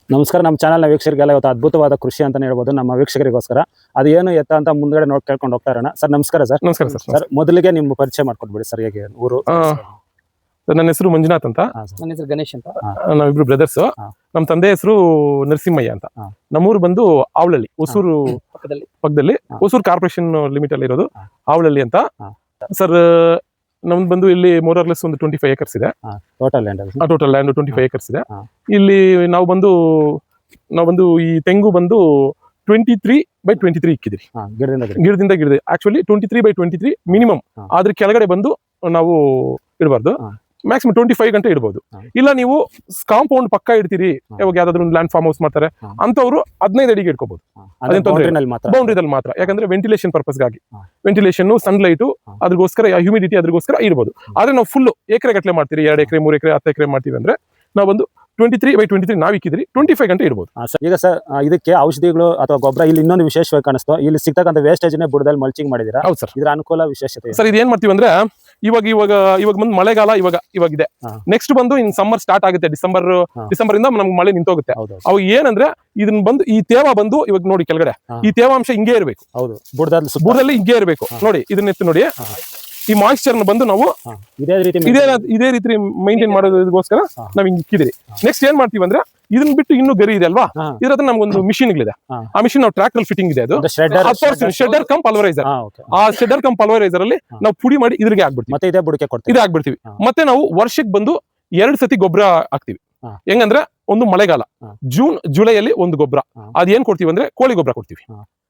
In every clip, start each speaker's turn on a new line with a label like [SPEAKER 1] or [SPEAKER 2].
[SPEAKER 1] ನಮಸ್ಕಾರ. ನಮ್ಮ ಚಾನಲ್ನ ವೀಕ್ಷಕರಿಗೆಲ್ಲ ಇವತ್ತು ಅದ್ಭುತವಾದ ಕೃಷಿ ಅಂತಾನೆ ಹೇಳ್ಬೋದು. ನಮ್ಮ ವೀಕ್ಷಕರಿಗೋಸ್ಕರ ಅದು ಏನು ಎತ್ತ ಅಂತ ಮುಂದ್ಗಡೆ ನೋಡಿ ಕೇಳ್ಕೊಂಡು ಹೋಗ್ತಾ ಇರೋಣ. ಸರ್ ನಮಸ್ಕಾರ. ಸರ್
[SPEAKER 2] ನಮಸ್ಕಾರ ಸರ್.
[SPEAKER 1] ಸರ್ ಮೊದಲಿಗೆ ನಿಮ್ಮ ಪರಿಚಯ ಮಾಡ್ಕೊಟ್ಬಿಡಿ ಸರ್. ಹೇಗೆ ಊರು?
[SPEAKER 2] ನನ್ನ ಹೆಸರು ಮಂಜುನಾಥ್ ಅಂತ.
[SPEAKER 3] ನನ್ನ ಹೆಸರು ಗಣೇಶ್ ಅಂತ.
[SPEAKER 2] ನಾವಿಬ್ರು ಬ್ರದರ್ಸ್. ನಮ್ಮ ತಂದೆ ಹೆಸರು ನರಸಿಂಹಯ್ಯ ಅಂತ. ನಮ್ಮೂರು ಬಂದು ಆವಳಹಳ್ಳಿ, ಹೊಸೂರು ಪಕ್ಕದಲ್ಲಿ ಹೊಸೂರು ಕಾರ್ಪೊರೇಷನ್ ಲಿಮಿಟ್ ಅಲ್ಲಿ ಇರೋದು ಆವಳಹಳ್ಳಿ ಅಂತ. ಸರ್ ನಮ್ದು ಬಂದು ಇಲ್ಲಿ ಮೋರರ್ಲೆಸ್ ಒಂದು 25 acres ಇದೆ
[SPEAKER 1] total land.
[SPEAKER 2] Total land 25 acres ಇದೆ. ಇಲ್ಲಿ ನಾವು ಬಂದು ಈ ತೆಂಗು ಬಂದು 23/23 ಇಕ್ಕಿದ್ರಿ. ಗಿಡದಿಂದ ಆಕ್ಚುಲಿ 23/23 ಮಿನಿಮಮ್. ಆದ್ರೆ ಕೆಳಗಡೆ ಬಂದು ನಾವು ಇಡಬಾರ್ದು. ಮ್ಯಾಕ್ಸಿಮಮ್ 25 ಗಂಟೆ ಇಡಬಹುದು. ಇಲ್ಲ ನೀವು ಕಾಂಪೌಂಡ್ ಪಕ್ಕ ಇಡ್ತೀರಿ, ಇವಾಗ ಯಾವ್ದಾದ್ರು ಒಂದು ಲ್ಯಾಂಡ್ ಫಾರ್ಮ್ ಹೌಸ್ ಮಾಡ್ತಾರೆ ಅಂತವ್ರು 15 ಅಡಿಗೆ ಇಟ್ಕೋಬಹುದು. ಬೌಂಡ್ರಿದಲ್ಲಿ ಮಾತ್ರ, ಯಾಕಂದ್ರೆ ವೆಂಟಿಲೇಷನ್ ಪರ್ಪಸ್ಗಾಗಿ, ವೆಂಟಿಲೇಷನ್, ಸನ್ಲೈಟ್, ಅದ್ರಗೋಸ್ಕರ ಹ್ಯೂಮಿಡಿಟಿ ಅದ್ರಗೋಸ್ಕರ ಇರ್ಬೋದು. ಆದ್ರೆ ನಾವು ಫುಲ್ ಎಕರೆ ಗಟ್ಟಲೆ ಮಾಡ್ತೀರಿ, 2 ಎಕರೆ 3 ಎಕರೆ 10 ಎಕರೆ ಮಾಡ್ತೀವಿ ಅಂದ್ರೆ ನಾವು ಒಂದು 23/23 ನಾವ್ ಇಕ್ಕಿದ್ರಿ 25 ಗಂಟೆ ಇಡ್ಬೋದು.
[SPEAKER 1] ಈಗ ಸರ್ ಇದಕ್ಕೆ ಔಷಧಿಗಳು ಅಥವಾ ಗೊಬ್ಬರ ಇಲ್ಲಿ ಇನ್ನೊಂದು ವಿಶೇಷವಾಗಿ ಕಾಣಿಸ್ತು, ಇಲ್ಲಿ ಸಿಗ್ತಕ್ಕಂಥ ವೇಸ್ಟೇಜ್ ಬುಡದಲ್ಲಿ ಮಲ್ಚಿಂಗ್ ಮಾಡಿದೀರಾ.
[SPEAKER 2] ಹೌದು ಸರ್.
[SPEAKER 1] ಇದ್ರ ಅನುಕೂಲ ವಿಶೇಷತೆ
[SPEAKER 2] ಸರ್ ಇದು ಏನ್ ಮಾಡ್ತೀವಿ ಅಂದ್ರೆ ಇವಾಗ ಬಂದು ಮಳೆಗಾಲ ಇವಾಗ ಇದೆ. ನೆಕ್ಸ್ಟ್ ಬಂದು ಇನ್ ಸಮ್ಮರ್ ಸ್ಟಾರ್ಟ್ ಆಗುತ್ತೆ. ಡಿಸೆಂಬರ್ ಇಂದ ನಮ್ಗೆ ಮಳೆ ನಿಂತೋಗುತ್ತೆ. ಅವು ಏನಂದ್ರೆ ಇದನ್ನ ಬಂದು ಈ ತೇವ ಬಂದು ಇವಾಗ ನೋಡಿ ಕೆಳಗಡೆ ಈ ತೇವಾಂಶ ಹಿಂಗೆ ಇರಬೇಕು.
[SPEAKER 1] ಹೌದು, ಬುಡದಲ್ಲಿ
[SPEAKER 2] ಹಿಂಗೆ ಇರಬೇಕು. ನೋಡಿ ಇದನ್ನ ಎತ್ತು ನೋಡಿ, ಈ ಮಾಯಿಶ್ಚರ್ ಬಂದು ನಾವು ಇದೇ ರೀತಿ ಮೈಂಟೈನ್ ಮಾಡೋದಕ್ಕೋಸ್ಕರ ನಾವ್ ಹಿಂಗ್ ಇಕ್ಕಿದಿರಿ. ನೆಕ್ಸ್ಟ್ ಏನ್ ಮಾಡ್ತೀವಿ ಅಂದ್ರೆ ಇದನ್ನ ಬಿಟ್ಟು ಇನ್ನೂ ಗರಿ ಇದೆ ಅಲ್ವಾ, ಇದ್ರ ಹತ್ರ ನಮ್ಗೊಂದು ಮಿಷಿನ್ ಇದೆ. ಆ ಮಿಷಿನ್ ನಾವು ಟ್ರ್ಯಾಕ್ಟರ್ ಫಿಟ್ಟಿಂಗ್ ಇದೆ. ಅದು ಶೆಡರ್ ಕಮ್ ಪಲ್ವರೈಸರ್. ಆ ಶೆಡರ್ ಕಮ್ ಪಲ್ವರೈಸರ್ ಅಲ್ಲಿ ನಾವು ಪುಡಿ ಮಾಡಿ ಇದ್ರಿಗೆ ಆಗ್ಬಿಡ್ತೀವಿ. ಇದೇ ಆಗ್ಬಿಡ್ತೀವಿ. ಮತ್ತೆ ನಾವು ವರ್ಷಕ್ಕೆ ಬಂದು 2 ಸತಿ ಗೊಬ್ಬರ ಹಾಕ್ತಿವಿ. ಹೆಂಗಂದ್ರೆ ಒಂದು ಮಳೆಗಾಲ ಜೂನ್ ಜುಲೈಯಲ್ಲಿ ಒಂದು ಗೊಬ್ಬರ. ಅದೇನ್ ಕೊಡ್ತೀವಿ ಅಂದ್ರೆ ಕೋಳಿ ಗೊಬ್ಬರ ಕೊಡ್ತೀವಿ.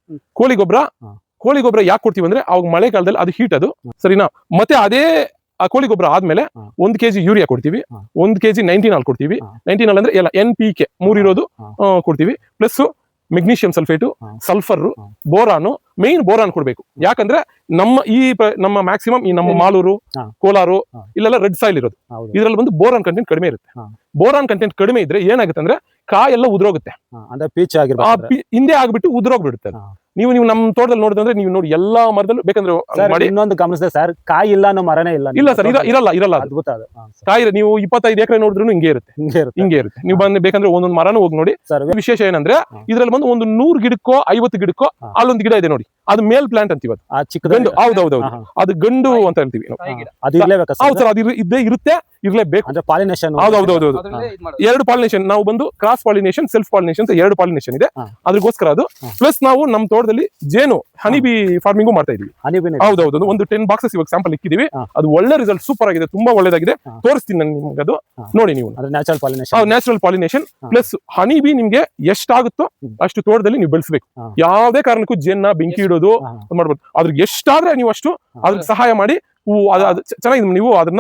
[SPEAKER 2] ಕೋಳಿ ಗೊಬ್ಬರ ಯಾಕೆ ಕೊಡ್ತೀವಿ ಅಂದ್ರೆ ಅವಾಗ ಮಳೆಗಾಲದಲ್ಲಿ ಅದು ಹೀಟ್ ಅದು ಸರಿನಾ. ಮತ್ತೆ ಅದೇ ಆ ಕೋಳಿ ಗೊಬ್ಬರ ಆದ್ಮೇಲೆ 1 kg ಯೂರಿಯಾ ಕೊಡ್ತೀವಿ, 1 kg 19 ಕೊಡ್ತೀವಿ. 19 ಅಂದ್ರೆ ಎಲ್ಲ NPK 3 ಇರೋದು ಕೊಡ್ತೀವಿ. Plus magnesium sulphate, sulphur, boron. Main boron ಕೊಡ್ಬೇಕು. ಯಾಕಂದ್ರೆ ನಮ್ಮ ಮ್ಯಾಕ್ಸಿಮಮ್ ಈ ನಮ್ಮ ಮಾಲೂರು, ಕೋಲಾರು ಇಲ್ಲೆಲ್ಲ ರೆಡ್ ಸಾಯಿಲ್ ಇರೋದು. ಇದ್ರಲ್ಲಿ ಬಂದು ಬೋರಾನ್ ಕಂಟೆಂಟ್ ಕಡಿಮೆ ಇರುತ್ತೆ. ಬೋರಾನ್ ಕಂಟೆಂಟ್ ಕಡಿಮೆ ಇದ್ರೆ ಏನಾಗುತ್ತೆ ಅಂದ್ರೆ ಕಾಯೆಲ್ಲ ಉದುರೋಗುತ್ತೆ. ಹಿಂದೆ ಆಗ್ಬಿಟ್ಟು ಉದುರೋಗ್ಬಿಡುತ್ತೆ. ನೀವು ನಮ್ಮ ತೋಟದಲ್ಲಿ ನೋಡಿದ್ರೆ ನೀವು ನೋಡಿ ಎಲ್ಲಾ ಮರದಲ್ಲೂ ಬೇಕಂದ್ರೆ
[SPEAKER 1] ಇನ್ನೊಂದು ಗಮನಿಸಿದೆ ಸರ್, ಕಾಯಿ ಇಲ್ಲ ಅನ್ನೋ ಮರನೇ
[SPEAKER 2] ಇಲ್ಲ ಸರ್. ಇರಲ್ಲ ಅದ್ಭುತ ಕಾಯಿ. ನೀವು 25 ಎಕರೆ ನೋಡಿದ್ರು ಹಿಂಗೆ ಇರುತ್ತೆ. ನೀವು ಬಂದು ಬೇಕಂದ್ರೆ ಒಂದೊಂದು ಮರನೂ ಹೋಗಿ ನೋಡಿ. ವಿಶೇಷ ಏನಂದ್ರೆ ಇದ್ರಲ್ಲಿ ಬಂದು ಒಂದು 100 ಗಿಡಕ್ಕೋ 50 ಗಿಡಕ್ಕೋ ಅಲ್ಲೊಂದು ಗಿಡ ಇದೆ ನೋಡಿ, ಅದು ಮೇಲ್ ಪ್ಲಾಂಟ್ ಅಂತೀವಿ. ಅದು ಗಂಡು. ಹೌದೌದು, ಅದು ಗಂಡು ಅಂತ ಹೇಳ್ತೀವಿ. ಹೌದು ಸರ್, ಅದು ಇದ್ದೇ ಇರುತ್ತೆ, ಇರ್ಲೇಬೇಕು. ಹೌದೌದು, 2 ಪಾಲಿನೇಷನ್. ನಾವು ಬಂದು ಕ್ರಾಸ್ ಪಾಲಿನೇಷನ್, ಸೆಲ್ಫ್ ಪಾಲಿನೇಷನ್ ಅಂತ 2 ಪಾಲಿನೇಷನ್ ಇದೆ. ಅದಕ್ಕೋಸ್ಕರ ಅದು. ಪ್ಲಸ್ ನಾವು ನಮ್ಮ ತೋಟದಲ್ಲಿ ಜೇನು ಹನಿಬಿ ಫಾರ್ಮಿಂಗ್ ಮಾಡ್ತಾ ಇದೀವಿ. ಹೌದೌದು, ಒಂದು 10 ಬಾಕ್ಸಸ್ ಇವಾಗ ಸ್ಯಾಂಪಲ್ ಇಕ್ಕಿದೀವಿ. ಅದು ಒಳ್ಳೆ ರಿಸಲ್ಟ್, ಸೂಪರ್ ಆಗಿದೆ, ತುಂಬಾ ಒಳ್ಳೇದಾಗಿದೆ. ತೋರಿಸ್ತೀನಿ ನಾನು ನಿಮ್ಗೆ, ಅದು ನೋಡಿ ನೀವು. ನ್ಯಾಚುರಲ್ ಪಾಲಿನೇಷನ್ ಪ್ಲಸ್ ಹನಿಬಿ ನಿಮ್ಗೆ ಎಷ್ಟಾಗುತ್ತೋ ಅಷ್ಟು ತೋಟದಲ್ಲಿ ನೀವು ಬೆಳೆಸಬೇಕು. ಯಾವುದೇ ಕಾರಣಕ್ಕೂ ಜೇನ್ನ ಬೆಂಕಿ ಇಡೋದು ಮಾಡ್ಬೋದು. ಅದ್ರಿಗೆ ಎಷ್ಟಾದ್ರೆ ನೀವು ಅಷ್ಟು ಅದ್ರ ಸಹಾಯ ಮಾಡಿ ಚೆನ್ನಾಗಿ ನೀವು ಅದನ್ನ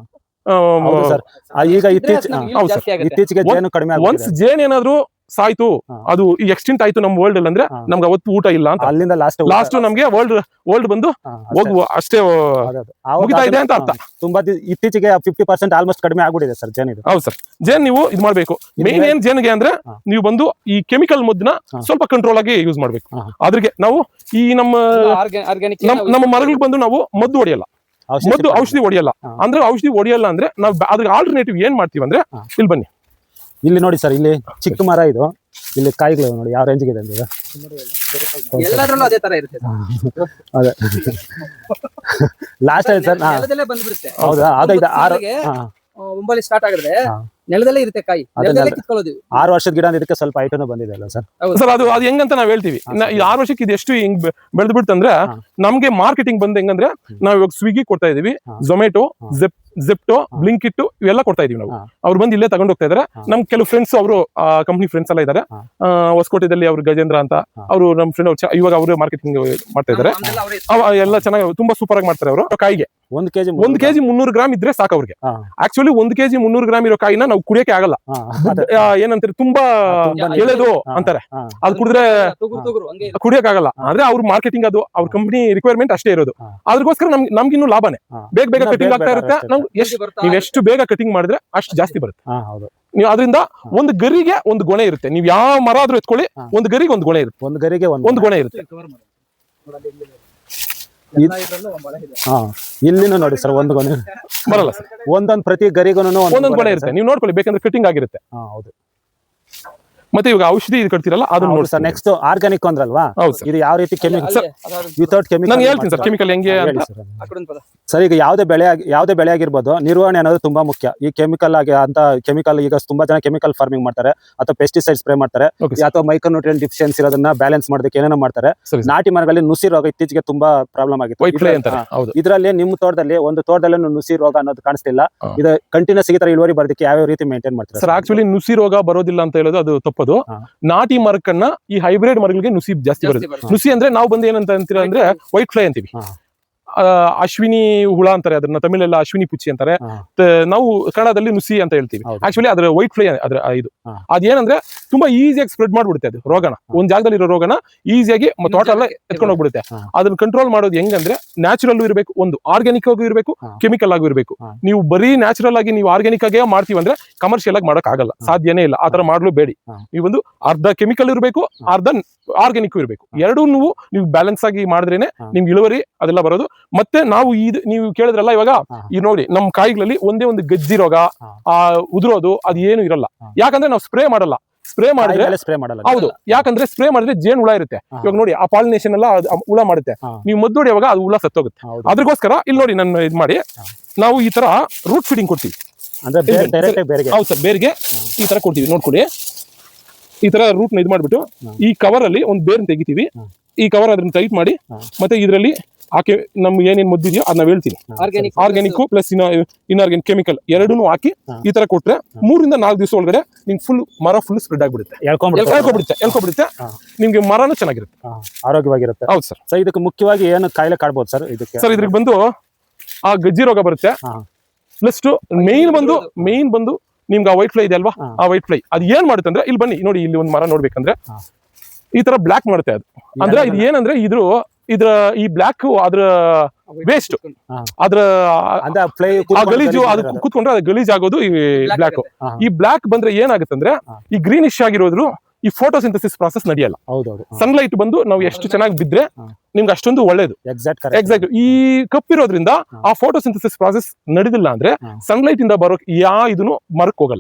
[SPEAKER 1] ಈಗ ಇತ್ತೀಚೆಗೆ
[SPEAKER 2] ಒನ್ಸ್ ಜೇನ್ ಏನಾದ್ರು ಸಾಯ್ತು, ಅದು ಎಕ್ಸ್ಟಿಂಟ್ ಆಯ್ತು ನಮ್ಮ ವರ್ಲ್ಡ್ ಅಲ್ಲಿ, ಅಂದ್ರೆ ನಮ್ಗೆ ಅವತ್ತು ಊಟ ಇಲ್ಲ ಅಂತ.
[SPEAKER 1] ಅಲ್ಲಿಂದ
[SPEAKER 2] ಲಾಸ್ಟ್ ನಮ್ಗೆ ವರ್ಲ್ಡ್ ಬಂದು ಹೋಗುವ ಅಷ್ಟೇ ಮುಗಿತಾ ಇದೆ ಅಂತ ಅರ್ಥ.
[SPEAKER 1] ತುಂಬಾ ಇತ್ತೀಚೆಗೆ 50% ಆಲ್ಮೋಸ್ಟ್ ಕಡಿಮೆ ಆಗ್ಬಿಟ್ಟಿದೆ ಸರ್ ಜೇನ್.
[SPEAKER 2] ಹೌದು ಸರ್, ಜೇನ್ ನೀವು ಇದು ಮಾಡ್ಬೇಕು. ಮೇನ್ ಏನ್ ಜೇನ್ಗೆ ಅಂದ್ರೆ ನೀವು ಬಂದು ಈ ಕೆಮಿಕಲ್ ಮದ್ದನ್ನ ಸ್ವಲ್ಪ ಕಂಟ್ರೋಲ್ ಆಗಿ ಯೂಸ್ ಮಾಡ್ಬೇಕು. ಅದ್ರಿಗೆ ನಾವು ಈ ನಮ್ಮ ಮರಗಳಿಗೆ ಬಂದು ನಾವು ಮದ್ದು ಹೊಡೆಯಲ್ಲ, ಔಷಧಿ ಹೊಡೆಯಲ್ಲ. ಅಂದ್ರೆ ಔಷಧಿ ಹೊಡೆಯಲ್ಲ ಅಂದ್ರೆ ನಾವು ಅದ್ರ ಆಲ್ಟರ್ನೇಟಿವ್ ಏನ್ ಮಾಡ್ತೀವಿ ಅಂದ್ರೆ, ಇಲ್ಲಿ ಬನ್ನಿ, ಇಲ್ಲಿ
[SPEAKER 1] ನೋಡಿ ಸರ್, ಇಲ್ಲಿ ಚಿಕ್ಕ ಮರ ಇದು, ಇಲ್ಲಿ ಕಾಯಿಗಳು ನೋಡಿ ಯಾವ ರೇಂಜ್ಗೆ ಇದೆ ಅಂತ.
[SPEAKER 3] ಎಲ್ಲದರಲ್ಲೂ ಅದೇ ತರ ಇರುತ್ತೆ.
[SPEAKER 1] ಅದೇ ಲಾಸ್ಟ್ ಆಯ್ತು ಸರ್. ಹೌದಾ,
[SPEAKER 3] ಒಂಬಲ್ಲಿ ಸ್ಟಾರ್ಟ್ ಆಗಿದ್ರೆ ನೆಲದಲ್ಲೇ ಇರುತ್ತೆ ಕಾಯಿ,
[SPEAKER 1] 6 ವರ್ಷದ ಗಿಡ. ಇದಕ್ಕೆ ಸ್ವಲ್ಪ ಐಟನು ಬಂದಿದೆ ಅಲ್ಲ ಸರ್?
[SPEAKER 2] ಸರ್ ಅದು ಹೆಂಗಂತ ನಾವ್ ಹೇಳ್ತೀವಿ. ಈ 6 ವರ್ಷಕ್ಕೆ ಇದು ಎಷ್ಟು ಹಿಂಗ್ ಬೆಳೆದ್ ಬಿಡ್ತಂದ್ರೆ ನಮ್ಗೆ ಮಾರ್ಕೆಟಿಂಗ್ ಬಂದ್ ಹೆಂಗಂದ್ರೆ ನಾವ್ ಇವಾಗ ಸ್ವಿಗ್ಗಿ ಕೊಡ್ತಾ ಇದೀವಿ, ಝೊಮ್ಯಾಟೊ, ಜೆಪ್ಟೋ, ಬ್ಲಿಂಕಿಟ್ ಇವೆಲ್ಲ ಕೊಡ್ತಾ ಇದೀವಿ ನಾವು. ಅವ್ರು ಬಂದು ಇಲ್ಲೇ ತಗೊಂಡ್ ಹೋಗ್ತಾ ಇದಾರೆ. ನಮ್ ಕೆಲವು ಫ್ರೆಂಡ್ಸ್, ಅವರು ಕಂಪ್ನಿ ಫ್ರೆಂಡ್ಸ್ ಎಲ್ಲ ಇದಾರೆ. ಹೊಸಕೋಟೆದಲ್ಲಿ ಅವ್ರು ಗಜೇಂದ್ರ ಅಂತ, ಅವರು ನಮ್ ಫ್ರೆಂಡ್, ಇವಾಗ ಅವರು ಮಾರ್ಕೆಟಿಂಗ್ ಮಾಡ್ತಾ ಇದಾರೆ. ಎಲ್ಲ ಚೆನ್ನಾಗಿ ತುಂಬಾ ಸೂಪರ್ ಆಗಿ ಮಾಡ್ತಾರೆ ಅವರು. ಕಾಯಿಗೆ 1 kg 300 ಗ್ರಾಮ್ ಇದ್ರೆ ಸಾಕು ಅವ್ರಿಗೆ. ಆಕ್ಚುಲಿ 1 kg 300 ಗ್ರಾಮ್ ಇರೋ ಕಾಯಿನ ನಾವು ಕುಡಿಯಕ್ಕೆ ಆಗಲ್ಲ. ಏನಂತಾರೆ, ತುಂಬಾ ಎಳೆದು ಅಂತಾರೆ. ಅದು ಕುಡಿದ್ರೆ ಕುಡಿಯಕ್ ಆಗಲ್ಲ. ಆದ್ರೆ ಅವ್ರ ಮಾರ್ಕೆಟಿಂಗ್, ಅದು ಅವ್ರ ಕಂಪನಿ ರಿಕ್ವೈರ್ಮೆಂಟ್ ಅಷ್ಟೇ ಇರೋದು. ಅದಕ್ಕೋಸ್ಕರ ನಮ್ಗಿನ್ನೂ ಲಾಭನೇ. ಬೇಗ ಕಟಿಂಗ್ ಆಗ್ತಾ ಇರುತ್ತೆ. ನೀವ್ ಎಷ್ಟು ಬೇಗ ಕಟಿಂಗ್ ಮಾಡಿದ್ರೆ ಅಷ್ಟು ಜಾಸ್ತಿ ಬರುತ್ತೆ. ನೀವು ಅದರಿಂದ ಒಂದು ಗರಿಗೆ ಒಂದು ಗೊನೆ ಇರುತ್ತೆ. ನೀವು ಯಾವ ಮರ ಆದ್ರೂ ಎತ್ಕೊಳ್ಳಿ, ಒಂದು ಗರಿಗೆ ಒಂದು ಗೊನೆ ಇರುತ್ತೆ. ಒಂದು ಗೊನೆ ಇರುತ್ತೆ.
[SPEAKER 1] ಇಲ್ಲಿನೂ ನೋಡಿ ಸರ್, ಒಂದು ಗೊನೆ
[SPEAKER 2] ಬರಲ್ಲ ಸರ್.
[SPEAKER 1] ಒಂದೊಂದು ಪ್ರತಿ ಗರಿಗೂ ಒಂದೊಂದು
[SPEAKER 2] ಗೊನೆ ಇರುತ್ತೆ. ನೀವು ನೋಡ್ಕೊಳ್ಳಿ, ಬೇಕಂದ್ರೆ ಕಟಿಂಗ್ ಆಗಿರುತ್ತೆ.
[SPEAKER 1] ಹೌದು.
[SPEAKER 2] ಮತ್ತೆ ಇವಾಗ ಔಷಧಿ ಇದು ಕಟ್ತಿರಲ್ಲ ಅದನ್ನ ನೋಡಿ
[SPEAKER 1] ಸರ್ ನೆಕ್ಸ್ಟ್ ಆರ್ಗಾನಿಕ್ ಅಂದ್ರಲ್ವಾ,
[SPEAKER 2] ಹೌದು ಸರ್.
[SPEAKER 1] ಇದು ಯಾವ ರೀತಿ ಕೆಮಿಕಲ್ ವಿತೌಟ್ ಕೆಮಿಕಲ್
[SPEAKER 2] ನಾನು ಹೇಳ್ತೀನಿ ಸರ್ ಕೆಮಿಕಲ್ ಹೆಂಗೆ ಅಂತ.
[SPEAKER 1] ಸರ್ ಈಗ ಯಾವುದೇ ಬೆಳೆ ಆಗಿರ್ಬೋದು, ನಿರ್ವಹಣೆ ಅನ್ನೋದು ತುಂಬಾ ಮುಖ್ಯ. ಈ ಕೆಮಿಕಲ್ ಆಗಿ ಅಂತ ಕೆಮಿಕಲ್ ಈಗ ತುಂಬಾ ಜನ ಕೆಮಿಕಲ್ ಫಾರ್ಮಿಂಗ್ ಮಾಡ್ತಾರೆ ಅಥವಾ ಪೆಸ್ಟಿಸೈಡ್ ಸ್ಪ್ರೇ ಮಾಡ್ತಾರೆ
[SPEAKER 2] Okay, sir.
[SPEAKER 1] ಅಥವಾ ಮೈಕ್ರೋನ್ಯೂಟ್ರಿಯೆಂಟ್ ಡಿಫಿಷಿಯನ್ಸಿ ಇರೋದನ್ನ ಬ್ಯಾಲೆನ್ಸ್ ಮಾಡೋದಕ್ಕೆ ಏನೇನೋ ಮಾಡ್ತಾರೆ.
[SPEAKER 2] ಸರಿ ಸರ್.
[SPEAKER 1] ನಾಟಿ ಮರಗಳಲ್ಲಿ ನುಸಿ ರೋಗ ಇತ್ತೀಚೆಗೆ ತುಂಬಾ ಪ್ರಾಬ್ಲಮ್
[SPEAKER 2] ವೈಟ್ ಫ್ಲೈ
[SPEAKER 1] ಆಗಿತ್ತು.
[SPEAKER 2] ಅಂತಾರೆ. ಹೌದು
[SPEAKER 1] ಇದರಲ್ಲಿ ನಿಮ್ಮ ತೋಟದಲ್ಲಿ ಒಂದು ತೋಟದಲ್ಲಿ ನುಸಿ ರೋಗ ಅನ್ನೋದು ಕಾಣಿಸ್ತಿಲ್ಲ.
[SPEAKER 2] ಹಾ.
[SPEAKER 1] ಇದು ಕಂಟಿನ್ಯೂಸ್ ಈ ತರ ಇಳುವರಿ ಬರೋದಕ್ಕೆ ಯಾವ ರೀತಿ ಮೇಂಟೈನ್ ಮಾಡ್ತಾರೆ
[SPEAKER 2] ಸರ್? ಆಕ್ಚುಲಿ ನುಸಿ ರೋಗ ಬರೋದಿಲ್ಲ ಅಂತ ಹೇಳೋದು ಅದು ತಪ್ಪದು.
[SPEAKER 1] ಹಾ.
[SPEAKER 2] ನಾಟಿ ಮರಕ್ಕನ್ನ ಈ ಹೈಬ್ರಿಡ್ ಮರಗಳಿಗೆ ನುಸಿ ಜಾಸ್ತಿ ಬರುತ್ತೆ. ನುಸಿ ಅಂದ್ರೆ ನಾವು ಬಂದು ಏನಂತ ಅಂತೀರ ಅಂದ್ರೆ ವೈಟ್ ಫ್ಲೈ ಅಂತೀವಿ.
[SPEAKER 1] ಹಾ.
[SPEAKER 2] ಅಶ್ವಿನಿ ಹುಳ ಅಂತಾರೆ ಅದನ್ನ, ತಮಿಳೆಲ್ಲ ಅಶ್ವಿನಿ ಪುಚ್ಚಿ ಅಂತಾರೆ.
[SPEAKER 1] ಹಾ.
[SPEAKER 2] ನಾವು ಕನ್ನಡದಲ್ಲಿ ನುಸಿ ಅಂತ ಹೇಳ್ತೀವಿ.
[SPEAKER 1] ಹೌದು.
[SPEAKER 2] ಆಕ್ಚುಲಿ ಅದ್ರ ವೈಟ್ ಫ್ಲೈ ಅದ್ರ ಇದು
[SPEAKER 1] ಹಾ.
[SPEAKER 2] ಅದೇನಂದ್ರೆ ತುಂಬಾ ಈಸಿಯಾಗಿ ಸ್ಪ್ರೆಡ್ ಮಾಡ್ಬಿಡುತ್ತೆ ಅದು ರೋಗನ. ಒಂದ್ ಜಾಗದಲ್ಲಿ ಇರೋ ರೋಗನ ಈಸಿಯಾಗಿ ತೋಟ ಎಲ್ಲ ಎತ್ಕೊಂಡು ಹೋಗ್ಬಿಡುತ್ತೆ.
[SPEAKER 1] ಹಾ.
[SPEAKER 2] ಅದನ್ನ ಕಂಟ್ರೋಲ್ ಮಾಡೋದು ಹೆಂಗಂದ್ರೆ ನ್ಯಾಚುರಲ್ ಇರಬೇಕು, ಒಂದು ಆರ್ಗ್ಯಾನಿಕ್ ಆಗೂ ಇರಬೇಕು,
[SPEAKER 1] ಹಾ.
[SPEAKER 2] ಕೆಮಿಕಲ್ ಆಗೂ ಇರಬೇಕು.
[SPEAKER 1] ಹಾ.
[SPEAKER 2] ನೀವು ಬರೀ ನ್ಯಾಚುರಲ್ ಆಗಿ ನೀವು ಆರ್ಗ್ಯಾನಿಕ್ ಆಗೇ ಮಾಡ್ತೀವಿ ಅಂದ್ರೆ ಕಮರ್ಷಿಯಲ್ ಆಗಿ ಮಾಡಕ್ ಆಗಲ್ಲ, ಸಾಧ್ಯನೇ ಇಲ್ಲ. ಆತರ ಮಾಡ್ಲು ಬೇಡಿ.
[SPEAKER 1] ಹಾ.
[SPEAKER 2] ನೀವೊಂದು ಅರ್ಧ ಕೆಮಿಕಲ್ ಇರಬೇಕು, ಅರ್ಧ ಆರ್ಗ್ಯಾನಿಕ್ ಇರಬೇಕು. ಎರಡೂ ನೀವು ಬ್ಯಾಲೆನ್ಸ್ ಆಗಿ ಮಾಡಿದ್ರೇನೆ
[SPEAKER 1] ಹಾ.
[SPEAKER 2] ನಿಮ್ಗೆ ಇಳುವರಿ ಅದೆಲ್ಲ ಬರೋದು. ಮತ್ತೆ ನಾವು ಇದು ನೀವು ಕೇಳಿದ್ರಲ್ಲ ಇವಾಗ,
[SPEAKER 1] ಹಾ.
[SPEAKER 2] ಈ ನೋಡಿ ನಮ್ಮ ಕಾಯಿಗಳಲ್ಲಿ ಒಂದೇ ಒಂದು ಗಜ್ಜಿ ರೋಗ,
[SPEAKER 1] ಹಾ.
[SPEAKER 2] ಉದುರೋದು ಅದು ಏನು ಇರಲ್ಲ.
[SPEAKER 1] ಹಾ.
[SPEAKER 2] ಯಾಕಂದ್ರೆ ನಾವು ಸ್ಪ್ರೇ ಮಾಡಲ್ಲ. ಸ್ಪ್ರೇ ಮಾಡಿದ್ರೆ
[SPEAKER 1] ಸ್ಪ್ರೇ ಮಾಡಲ್ಲ.
[SPEAKER 2] ಹೌದು, ಯಾಕಂದ್ರೆ ಸ್ಪ್ರೇ ಮಾಡಿದ್ರೆ ಜೇನು ಹುಳ ಇರುತ್ತೆ.
[SPEAKER 1] ಹಾ.
[SPEAKER 2] ಇವಾಗ ನೋಡಿ ಆ ಪಾಲಿನೇಷನ್ ಎಲ್ಲ ಅದು ಹುಳ ಮಾಡುತ್ತೆ.
[SPEAKER 1] ಹಾ.
[SPEAKER 2] ನೀವು ಮದ್ದು ಹೊಡೆಯುವಾಗ ಅದು ಹುಳ ಸತ್ತೋಗುತ್ತೆ.
[SPEAKER 1] ಹೌದು.
[SPEAKER 2] ಅದಕ್ಕೋಸ್ಕರ ಇಲ್ಲಿ ನೋಡಿ ನಾನು ಇದು ಮಾಡಿ
[SPEAKER 1] ಹಾ.
[SPEAKER 2] ನಾವು ಈ ತರ ರೂಟ್ ಫೀಡಿಂಗ್ ಕೊಡ್ತೀವಿ.
[SPEAKER 1] ಅಂದ್ರೆ ಡೈರೆಕ್ಟ್ ಆಗಿ ಬೇರೆಗೆ.
[SPEAKER 2] ಹೌದು ಸರ್, ಬೇರ್ಗೆ ಈ ತರ ಕೊಡ್ತೀವಿ. ನೋಡ್ಕೊಳ್ಳಿ, ಈ ತರ ರೂಟ್ ನ ಇದು ಮಾಡ್ಬಿಟ್ಟು
[SPEAKER 1] ಹಾ.
[SPEAKER 2] ಈ ಕವರ್ ಅಲ್ಲಿ ಒಂದು ಬೇರ್ನ ತೆಗಿತೀವಿ.
[SPEAKER 1] ಹಾ.
[SPEAKER 2] ಈ ಕವರ್ ಅದನ್ನ ಟೈಟ್ ಮಾಡಿ
[SPEAKER 1] ಹಾ.
[SPEAKER 2] ಮತ್ತೆ ಇದರಲ್ಲಿ ಹಾಕಿ ನಮ್ಗೆ ಏನೇನ್ ಮುದ್ದಿದೆಯೋ ಅದನ್ನ ಹೇಳ್ತೀನಿ. ಆರ್ಗ್ಯಾನಿಕ್ ಪ್ಲಸ್ ಇನ್ಆರ್ಗ್ಯಾನಿಕ್ ಕೆಮಿಕಲ್ ಎರಡೂ ಹಾಕಿ
[SPEAKER 1] ಹಾ.
[SPEAKER 2] ಈ ತರ ಕೊಟ್ರೆ 3 ರಿಂದ 4 ದಿವಸ ಒಳಗಡೆ ನಿಮ್ಗೆ ಫುಲ್ ಮರ ಫುಲ್ ಸ್ಪ್ರೆಡ್ ಆಗ್ಬಿಡುತ್ತೆ, ಎಳ್ಕೊಬಿಡುತ್ತೆ.
[SPEAKER 1] ಹಾ.
[SPEAKER 2] ನಿಮ್ಗೆ ಮರನೂ ಚೆನ್ನಾಗಿರುತ್ತೆ.
[SPEAKER 1] ಆರೋಗ್ಯವಾಗಿರುತ್ತೆ.
[SPEAKER 2] ಹೌದು ಸರ್.
[SPEAKER 1] ಸೊ ಇದಕ್ಕೆ ಮುಖ್ಯವಾಗಿ ಏನು ಕಾಯಿಲೆ ಕಾಡ್ಬೋದು ಸರ್ ಇದಕ್ಕೆ?
[SPEAKER 2] ಸರ್ ಇದ್ರಿಗೆ ಬಂದು ಆ ಗಜ್ಜಿ ರೋಗ ಬರುತ್ತೆ.
[SPEAKER 1] ಹಾ.
[SPEAKER 2] ಪ್ಲಸ್ ಮೇನ್ ಬಂದು ನಿಮ್ಗೆ ಆ ವೈಟ್ ಫ್ಲೈ ಇದೆ ಅಲ್ವಾ,
[SPEAKER 1] ಹಾ.
[SPEAKER 2] ಆ ವೈಟ್ ಫ್ಲೈ ಅದು ಏನ್ ಮಾಡುತ್ತೆ ಅಂದ್ರೆ, ಇಲ್ಲಿ ಬನ್ನಿ ನೋಡಿ, ಇಲ್ಲಿ ಒಂದು ಮರ ನೋಡ್ಬೇಕಂದ್ರೆ
[SPEAKER 1] ಹಾ.
[SPEAKER 2] ಈ ತರ ಬ್ಲಾಕ್ ಮಾಡುತ್ತೆ ಅದು. ಅಂದ್ರೆ ಇದು ಏನಂದ್ರೆ ಇದ್ರ ಈ ಬ್ಲಾಕ್ ಅದ್ರ ವೇಸ್ಟ್,
[SPEAKER 1] ಹಾ.
[SPEAKER 2] ಅದ್ರ
[SPEAKER 1] ಅಂದ್ರೆ ಫ್ಲೈ
[SPEAKER 2] ಆ ಗಲೀಜು ಅದು ಕೂತ್ಕೊಂಡ್ರೆ ಅದು ಗಲೀಜ್ ಆಗೋದು ಈ ಬ್ಲಾಕ್.
[SPEAKER 1] ಹಾ.
[SPEAKER 2] ಈ ಬ್ಲಾಕ್ ಬಂದ್ರೆ ಏನಾಗುತ್ತೆ ಅಂದ್ರೆ,
[SPEAKER 1] ಹಾ.
[SPEAKER 2] ಈ ಗ್ರೀನಿಶ್ ಆಗಿರೋದ್ರು ಈ ಫೋಟೋಸಿಂಥಸಿಸ್ ಪ್ರಾಸೆಸ್ ನಡೆಯಲ್ಲ.
[SPEAKER 1] ಹೌದೌದು.
[SPEAKER 2] ಸನ್ಲೈಟ್ ಬಂದು ನಾವು ಎಷ್ಟು ಚೆನ್ನಾಗಿ ಬಿದ್ರೆ
[SPEAKER 1] ಹಾ.
[SPEAKER 2] ನಿಮ್ಗೆ ಅಷ್ಟೊಂದು ಒಳ್ಳೇದು. ಎಕ್ಸಾಕ್ಟ್. ಈ ಕಪ್ಪಿರೋದ್ರಿಂದ
[SPEAKER 1] ಹಾ.
[SPEAKER 2] ಆ ಫೋಟೋಸಿಂಥಸಿಸ್ ಪ್ರಾಸೆಸ್ ನಡೆದಿಲ್ಲ ಅಂದ್ರೆ
[SPEAKER 1] ಹಾ.
[SPEAKER 2] ಸನ್ಲೈಟ್ ಇಂದ ಬರೋ ಇದನ್ನು ಮರಕ್ ಹೋಗಲ್ಲ.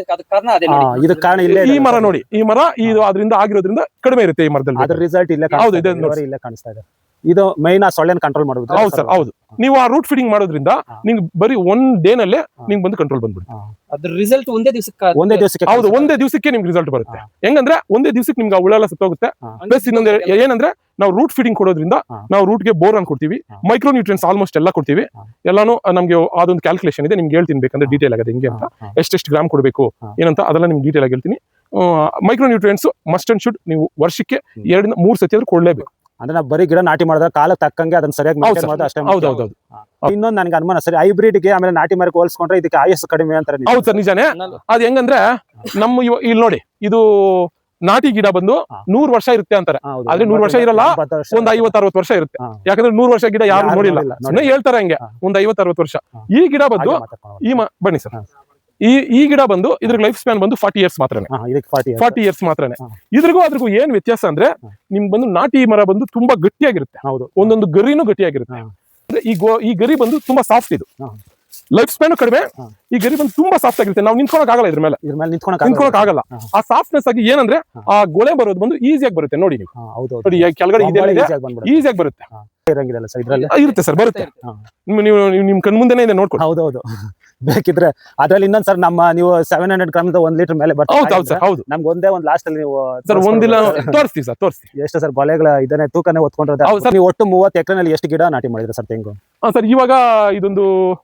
[SPEAKER 1] ಇದು ಕಾರಣ ಇಲ್ಲೇ
[SPEAKER 2] ಈ ಮರ ನೋಡಿ, ಈ ಮರ ಇದು ಅದರಿಂದ ಆಗಿರೋದ್ರಿಂದ ಕಡಿಮೆ ಇರುತ್ತೆ ಈ ಮರದಲ್ಲಿ.
[SPEAKER 1] ಅದ್ರ ರಿಸಲ್ಟ್ ಇಲ್ಲೇ
[SPEAKER 2] ಹೌದು, ಇದೆ ನೋಡಿ.
[SPEAKER 1] ಇಲ್ಲೇ ಕಾಣಿಸ್ತಾ ಇದೆ. ಇದು ಮೈನ್ ಆ ಸೊಳ್ಳೆನ ಕಂಟ್ರೋಲ್ ಮಾಡೋದು.
[SPEAKER 2] ಹೌದು ಸರ್, ಹೌದು. ನೀವು ಆ ರೂಟ್ ಫೀಡಿಂಗ್ ಮಾಡೋದ್ರಿಂದ ನಿಮ್ಗೆ ಬರೀ ಒಂದ್ ಡೇ ನಲ್ಲೇ ನಿಮ್ಗೆ ಬಂದು ಕಂಟ್ರೋಲ್ ಬಂದ್ಬಿಡುತ್ತೆ.
[SPEAKER 3] ಅದ್ರ ರಿಸಲ್ಟ್ ಒಂದೇ ದಿವಸಕ್ಕೆ
[SPEAKER 2] ಹೌದು, ಒಂದೇ ದಿವಸಕ್ಕೆ ನಿಮ್ಗೆ ರಿಸಲ್ಟ್ ಬರುತ್ತೆ. ಹೆಂಗಂದ್ರೆ ಒಂದೇ ದಿವಸಕ್ಕೆ ನಿಮ್ಗೆ ಆ ಹುಳ ಎಲ್ಲ ಸತ್ತೋಗುತ್ತೆ. ಪ್ಲಸ್ ಇನ್ನೊಂದು ಏನಂದ್ರೆ, ನಾವು ರೂಟ್ ಫೀಡಿಂಗ್ ಕೊಡೋದ್ರಿಂದ ನಾವು ರೂಟ್ಗೆ ಬೋರಾನ್ ಕೊಡ್ತೀವಿ, ಮೈಕ್ರೋ ನ್ಯೂಟ್ರಿಯೆಂಟ್ಸ್ ಆಲ್ಮೋಸ್ಟ್ ಎಲ್ಲ ಕೊಡ್ತೀವಿ. ಎಲ್ಲಾನು ನಮ್ಗೆ ಅದೊಂದು ಕ್ಯಾಲ್ಕುಲೇಷನ್ ಇದೆ, ನಿಮ್ಗೆ ಹೇಳ್ತೀನಿ ಬೇಕಂದ್ರೆ ಡೀಟೇಲ್ ಆಗಿದೆ ಹೆಂಗೆ ಅಂತ, ಎಷ್ಟೆಷ್ಟು ಗ್ರಾಮ್ ಕೊಡಬೇಕು ಏನಂತ ಅದೆಲ್ಲ ನಿಮ್ಗೆ ಡೀಟೇಲ್ ಆಗಿ ಹೇಳ್ತೀನಿ. Micro nutrients must and should ನೀವು ವರ್ಷಕ್ಕೆ 2 ರಿಂದ 3 ಸತಿ ಆದ್ರೂ ಕೊಡ್ಲೇಬೇಕು.
[SPEAKER 1] ಅಂದ್ರೆ ನಾವು ಬರೀ ಗಿಡ ನಾಟಿ ಮಾಡಿದ್ರೆ ಕಾಲ ತಕ್ಕಂಗೆ ಅದನ್ನ ಸರಿಯಾಗಿ maintain ಮಾಡೋದು ಅಷ್ಟೇ.
[SPEAKER 2] ಹೌದು.
[SPEAKER 1] ಇನ್ನೊಂದು ನನಗೆ ಅನುಮಾನ ಸರಿ, ಹೈಬ್ರಿಡ್ಗೆ ಆಮೇಲೆ ನಾಟಿ ಮರಕ್ಕೆ ಹೋಲಿಸ್ಕೊಂಡ್ರೆ ಇದಕ್ಕೆ ಆಯಸ್ಸು ಕಡಿಮೆ ಅಂತಾರೆ.
[SPEAKER 2] ಹೌದು ಸರ್, ನಿಜಾನೇ. ಅದ್ ಹೆಂಗಂದ್ರೆ ನಮ್ಮ ಇಲ್ಲಿ ನೋಡಿ, ಇದು ನಾಟಿ ಗಿಡ ಬಂದು 100 ವರ್ಷ ಇರುತ್ತೆ ಅಂತಾರೆ. ಆದ್ರೆ 100 ವರ್ಷ ಇರಲ್ಲ, ಒಂದ್ 50-60 ವರ್ಷ ಇರುತ್ತೆ. ಯಾಕಂದ್ರೆ 100 ವರ್ಷ ಗಿಡ ಯಾರು ನೋಡಿಲ್ಲ, ಸುಮ್ಮನೆ ಹೇಳ್ತಾರೆ ಹಂಗೆ. ಒಂದ್ 50-60 ವರ್ಷ. ಈ ಗಿಡ ಬಂದು ಬನ್ನಿ ಸರ್, ಈ ಗಿಡ ಬಂದು ಇದ್ರ ಲೈಫ್ ಸ್ಪ್ಯಾನ್ ಬಂದು 40 ಇಯರ್ಸ್ ಮಾತ್ರನೇ. 40 ಇಯರ್ಸ್ ಮಾತ್ರನೇ. ಅದ್ರಿಗೂ ಏನ್ ವ್ಯತ್ಯಾಸ ಅಂದ್ರೆ, ನಿಮ್ ಬಂದು ನಾಟಿ ಮರ ಬಂದು ತುಂಬಾ ಗಟ್ಟಿಯಾಗಿರುತ್ತೆ. ಒಂದೊಂದು ಗರಿನೂ ಗಟ್ಟಿಯಾಗಿರುತ್ತೆ. ಅಂದ್ರೆ ಈ ಗರಿ ಬಂದು ತುಂಬಾ ಸಾಫ್ಟ್. ಇದು ಲೈಫ್ ಸ್ಪ್ಯಾನ್ ಕಡಿಮೆ. ಈ ಗರಿ ಬಂದು ತುಂಬಾ ಸಾಫ್ಟ್ ಆಗಿರುತ್ತೆ. ನಾವು ನಿಂತ್ಕೊಳಕ್ ಆಗಲ್ಲ, ಇದ್ರ ಮೇಲೆ ನಿಂತ್ಕೊಳಕ್ ಆಗಲ್ಲ. ಆ ಸಾಫ್ಟ್ನೆಸ್ ಆಗಿ ಏನಂದ್ರೆ, ಆ ಗೊಳೆ ಬರೋದು ಬಂದು ಈಸಿಯಾಗಿ ಬರುತ್ತೆ. ನೋಡಿ ನೀವು ನೋಡಿ, ಕೆಳಗಡೆ ಈಸಿಯಾಗಿ ಬರುತ್ತೆ. ಇರುತ್ತೆ ಸರ್, ಬರುತ್ತೆ. ನೀವು ನಿಮ್ ಕಣ್ ಮುಂದೆನೇ ಇದೆ, ನೋಡ್ಕೊಂಡು.
[SPEAKER 1] ಹೌದೌದು. ಬೇಕಿದ್ರೆ ಅದ್ರಲ್ಲಿ ಇನ್ನೊಂದ್ ಸರ್, ನಮ್ಮ ನೀವು 700 ಗ್ರಾಮ್ 1 ಲೀಟರ್ ಮೇಲೆ
[SPEAKER 2] ಬರ್ತದೆ. ಹೌದು,
[SPEAKER 1] ನಮ್ಗೆ ಒಂದೇ ಒಂದು ಲಾಸ್ಟ್ ಅಲ್ಲಿ ನೀವು
[SPEAKER 2] ಸರ್ ಒಂದಿಲ್ಲ ತೋರಿಸ್ತೀವಿ ಸರ್, ತೋರಿಸ್ತೀವಿ.
[SPEAKER 1] ಎಷ್ಟು ಸರ್ ಗೊಲೆಗಳ ಇದನ್ನೇ ತೂಕನೇ ಹೊತ್ಕೊಂಡಿರೋದು? ನೀವು ಒಟ್ಟು 30 ಎಕರೆನಲ್ಲಿ ಎಷ್ಟು ಗಿಡ ನಾಟಿ ಮಾಡಿದ್ರೆ ಸರ್ ತೆಂಗು?
[SPEAKER 2] ಸರ್ ಇವಾಗ ಇದೊಂದು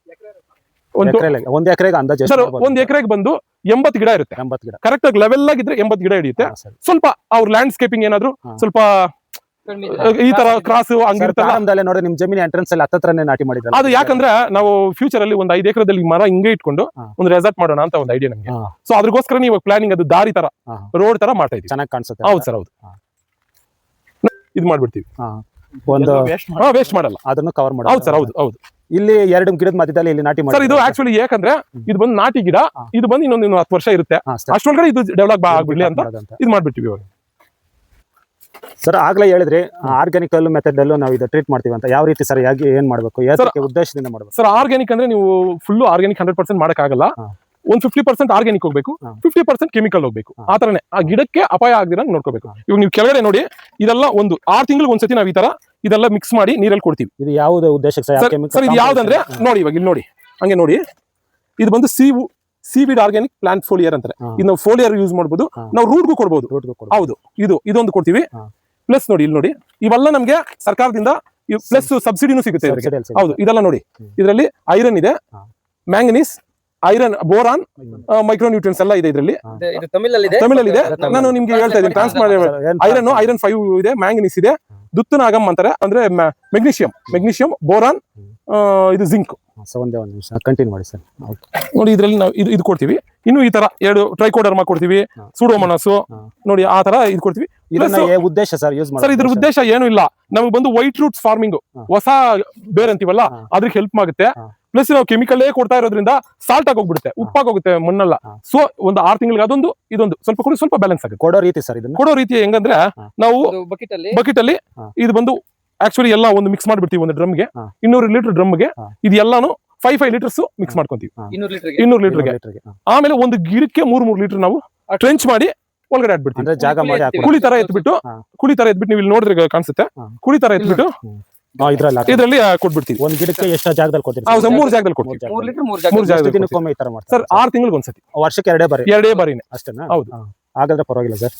[SPEAKER 1] ಒಂದ್ ಎಕರೆಗೆ ಅಂದಾಜು
[SPEAKER 2] ಸರ್, 1 ಎಕರೆಗೆ ಬಂದು 80 ಗಿಡ ಇರುತ್ತೆ.
[SPEAKER 1] 80 ಗಿಡ
[SPEAKER 2] ಕರೆಕ್ಟ್ ಆಗಿ ಲೆವೆಲ್ ಆಗಿದ್ರೆ 80 ಗಿಡ ಹಿಡಿಯುತ್ತೆ. ಸ್ವಲ್ಪ ಅವ್ರ ಲ್ಯಾಂಡ್ಸ್ಕೇಪಿಂಗ್ ಏನಾದ್ರು ಸ್ವಲ್ಪ ಈ ತರ ಕ್ರಾಸ್ ಹಂಗಿರ್ತಾರೆ
[SPEAKER 1] ನೋಡಿ. ನಿಮ್ ಜಮೀನ್ ಎಂಟ್ರೆನ್ಸ್ ಅಲ್ಲಿ ಹತ್ತತ್ರನೇ ನಾಟಿ ಮಾಡಿದ್ರೆ
[SPEAKER 2] ಅದು ಯಾಕಂದ್ರೆ ನಾವು ಫ್ಯೂಚರ್ ಅಲ್ಲಿ ಒಂದು 5 ಎಕರೆದಲ್ಲಿ ಮರ ಹಿಂಗೆ ಇಟ್ಕೊಂಡು ಒಂದು ರೆಸಾರ್ಟ್ ಮಾಡೋಣ ಅಂತ ಒಂದು ಐಡಿಯಾ ನಮ್ಗೆ. ಸೊ ಅದ್ರಗೋಸ್ಕರ ನೀವು ಪ್ಲಾನಿಂಗ್ ಅದು ದಾರಿ ತರ, ರೋಡ್ ತರ ಮಾಡ್ತಾ ಇದೀವಿ.
[SPEAKER 1] ಚೆನ್ನಾಗಿ ಕಾಣಿಸುತ್ತೆ.
[SPEAKER 2] ಹೌದು ಸರ್, ಹೌದು. ಇದು ಮಾಡ್ಬಿಡ್ತೀವಿ.
[SPEAKER 1] ಒಂದು
[SPEAKER 2] ವೇಸ್ಟ್ ಮಾಡಲ್ಲ,
[SPEAKER 1] ಅದನ್ನು ಕವರ್ ಮಾಡಿ.
[SPEAKER 2] ಹೌದು ಸರ್, ಹೌದು ಹೌದು.
[SPEAKER 1] ಇಲ್ಲಿ 2 ಗಿಡದ ಮಧ್ಯದಲ್ಲಿ ಇಲ್ಲಿ ನಾಟಿ ಮಾಡಿ
[SPEAKER 2] ಸರ್. ಇದು ಆಕ್ಚುಲಿ ಯಾಕಂದ್ರೆ ಇದು ಬಂದು ನಾಟಿ ಗಿಡ, ಇದು ಬಂದು ಇನ್ನೊಂದು 10 ವರ್ಷ ಇರುತ್ತೆ. ಅಷ್ಟೊಳಗಡೆ ಇದು ಡೆವಲಪ್ ಆಗ್ಬಿಡ್ಲಿ ಅಂತ ಇದು ಮಾಡ್ಬಿಡ್ತೀವಿ ಇವಾಗ.
[SPEAKER 1] ಸರ್ ಆಗ್ಲೇ ಹೇಳಿದ್ರಿ ಆರ್ಗ್ಯಾನಿಕ್ ಮೆಥಡ್ ಅಲ್ಲೂ ನಾವು ಇದು ಟ್ರೀಟ್ ಮಾಡ್ತೀವಿ ಅಂತ. ಯಾವ ರೀತಿ ಸರ್, ಏನ್ ಮಾಡ್ಬೇಕು, ಉದ್ದೇಶದಿಂದ ಮಾಡ್ಬೇಕು
[SPEAKER 2] ಸರ್? ಆರ್ಗ್ಯಾನಿಕ್ ಅಂದ್ರೆ ನೀವು ಫುಲ್ ಆರ್ಗ್ಯಾನಿಕ್ 100% ಮಾಡಕ್ ಆಗಲ್ಲ. ಒಂದ್ 50% ಆರ್ಗ್ಯಾನಿಕ್ ಹೋಗ್ಬೇಕು, 50% ಕೆಮಿಕಲ್ ಹೋಗ್ಬೇಕು. ಆ ತರನೇ ಆ ಗಿಡಕ್ಕೆ ಅಪಾಯ ಆಗದಿರಂಗ್ ನೋಡ್ಕೋಬೇಕು. ಇವಾಗ ನೀವು ಕೆಳಗಡೆ ನೋಡಿ, ಇದೆಲ್ಲ ಒಂದು 6 ತಿಂಗಳಿಗೆ ಒಂದ್ಸತಿ ನಾವು ಈ ತರ ಇದೆಲ್ಲ ಮಿಕ್ಸ್ ಮಾಡಿ ನೀರಲ್ಲಿ ಕೊಡ್ತೀವಿ.
[SPEAKER 1] ಇದು ಯಾವ್ದು ಉದ್ದೇಶಕ್ಕೆ
[SPEAKER 2] ಸರ್ ಇದು ಯಾವ್ದಂದ್ರೆ ನೋಡಿ, ಇವಾಗ ಇಲ್ಲಿ ನೋಡಿ, ಹಂಗೆ ನೋಡಿ, ಇದು ಬಂದು ಸೀವಿಡ್ ಆರ್ಗ್ಯಾನಿಕ್ ಪ್ಲಾಂಟ್ ಫೋಲಿಯರ್ ಅಂತಾರೆ. ಇದು ನಾವು ಫೋಲಿಯರ್ ಯೂಸ್ ಮಾಡ್ಬೋದು, ನಾವು ರೂಟ್ಗೂ ಕೊಡ್ಬೋದು. ಹೌದು, ಇದೊಂದು ಕೊಡ್ತೀವಿ. ಪ್ಲಸ್ ನೋಡಿ, ಇಲ್ಲಿ ನೋಡಿ, ಇವೆಲ್ಲ ನಮ್ಗೆ ಸರ್ಕಾರದಿಂದ ಪ್ಲಸ್ ಸಬ್ಸಿಡಿನೂ ಸಿಗುತ್ತೆ. ಹೌದು, ಇದೆಲ್ಲ ನೋಡಿ, ಇದರಲ್ಲಿ ಐರನ್ ಇದೆ, ಮ್ಯಾಂಗನೀಸ್, ಐರನ್, ಬೋರಾನ್, ಮೈಕ್ರೋನ್ಯೂಟ್ರಿಯನ್ಸ್ ಎಲ್ಲ ಇದೆ ಇದರಲ್ಲಿ. ತಮಿಳಲ್ಲಿ ಇದೆ. ನಾನು ನಿಮ್ಗೆ ಹೇಳ್ತಾ ಇದ್ದೀನಿ, ಟ್ರಾನ್ಸ್ ಮಾಡಿ. ಐರನ್ 5 ಇದೆ, ಮ್ಯಾಂಗನೀಸ್ ಇದೆ, ದುತ್ತನಾಗಮ್ ಅಂತಾರೆ, ಅಂದ್ರೆ ಮೆಗ್ನೀಷಿಯಂ, ಬೋರಾನ್, ಇದು ಜಿಂಕ್.
[SPEAKER 1] ಒಂದೇ ಒಂದು ನಿಮಿಷ ಕಂಟಿನ್ಯೂ ಮಾಡಿ ಸರ್.
[SPEAKER 2] ನೋಡಿ, ಇದರಲ್ಲಿ ನಾವು ಇದು ಕೊಡ್ತೀವಿ. ಇನ್ನು ಈ ತರ 2 ಟ್ರೈಕೋಡರ್ಮಾ ಕೊಡ್ತೀವಿ, ಸೂಡೋಮೋನಾಸು ನೋಡಿ, ಆ ತರ ಇದು ಕೊಡ್ತೀವಿ.
[SPEAKER 1] ಉದ್ದೇಶ ಸರ್ ಯೂಸ್
[SPEAKER 2] ಸರ್ ಇದ್ರ ಉದ್ದೇಶ ಏನು ಇಲ್ಲ, ನಮಗೆ ಬಂದು ವೈಟ್ ರೂಟ್ಸ್ ಫಾರ್ಮಿಂಗ್, ಹೊಸ ಬೇರೆ ಅಂತೀವಲ್ಲ, ಅದ್ರಿಗೆ ಹೆಲ್ಪ್ ಆಗುತ್ತೆ. ಪ್ಲಸ್ ನಾವು ಕೆಮಿಕಲ್ ಕೊಡ್ತಾ ಇರೋದ್ರಿಂದ ಸಾಲ್ಟ್ ಆಗಿ ಹೋಗ್ಬಿಡುತ್ತೆ, ಉಪ್ಪಾಗೋಗುತ್ತೆ ಮಣ್ಣೆಲ್ಲ. ಸೊ ಒಂದು 6 ತಿಂಗಳಿಗೆ ಅದೊಂದು ಇದೊಂದು ಸ್ವಲ್ಪ ಕೊಡಿ, ಸ್ವಲ್ಪ ಬ್ಯಾಲೆನ್ಸ್ ಆಗುತ್ತೆ.
[SPEAKER 1] ಕೊಡೋ ರೀತಿ ಸರ್, ಇದನ್ನ
[SPEAKER 2] ಕೊಡೋ ರೀತಿ ಹೆಂಗಂದ್ರೆ, ನಾವು ಬಕೆಟ್ ಅಲ್ಲಿ ಇದು ಬಂದು ಆಕ್ಚುಲಿ ಎಲ್ಲ ಒಂದು ಮಿಕ್ಸ್ ಮಾಡ್ಬಿಡ್ತೀವಿ. ಒಂದು ಡ್ರಮ್ಗೆ 200 ಲೀಟರ್ ಡ್ರಮ್ಗೆ ಇದು ಎಲ್ಲಾನು 5 ಲೀಟರ್ಸ್ ಮಿಕ್ಸ್ ಮಾಡ್ಕೊಂತೀವಿ 200 ಲೀಟರ್ಗೆ. ಆಮೇಲೆ ಒಂದು ಗಿಡಕ್ಕೆ 3 ಲೀಟರ್ ನಾವು ಟ್ರೆಂಚ್ ಮಾಡಿ ಒಳಗಡೆ ಹಾಕ್ಬಿಡ್ತೀವಿ.
[SPEAKER 1] ಜಾಗ ಮಾಡಿ
[SPEAKER 2] ಕುಳಿ ತರ ಎತ್ಬಿಟ್ಟು ನೀವು ಇಲ್ಲಿ ನೋಡಿದ್ರೆ ಕಾಣಿಸುತ್ತೆ, ಕುಳಿ ತರ ಎತ್ಬಿಟ್ಟು ಇದರಲ್ಲಿ ಕೊಟ್ಬಿಡ್ತೀವಿ.
[SPEAKER 1] ಒಂದ್ ಗಿಡಕ್ಕೆ ಎಷ್ಟು ಜಾಗದಲ್ಲಿ ಕೊಡ್ತೀವಿ?
[SPEAKER 2] 3 ಜಾಗದಲ್ಲಿ ಕೊಡ್ತೀವಿ. 3 ಜಾಗದಲ್ಲಿ ಸರ್ 6 ತಿಂಗಳಿಗೆ ಒಂದ್ಸತಿ,
[SPEAKER 1] ವರ್ಷಕ್ಕೆ 2 ಬಾರಿನೇ
[SPEAKER 2] ಅಷ್ಟೇನಾ? ಹೌದು,
[SPEAKER 1] ಹಾಗಾದ್ರೆ ಪರವಾಗಿಲ್ಲ ಸರ್.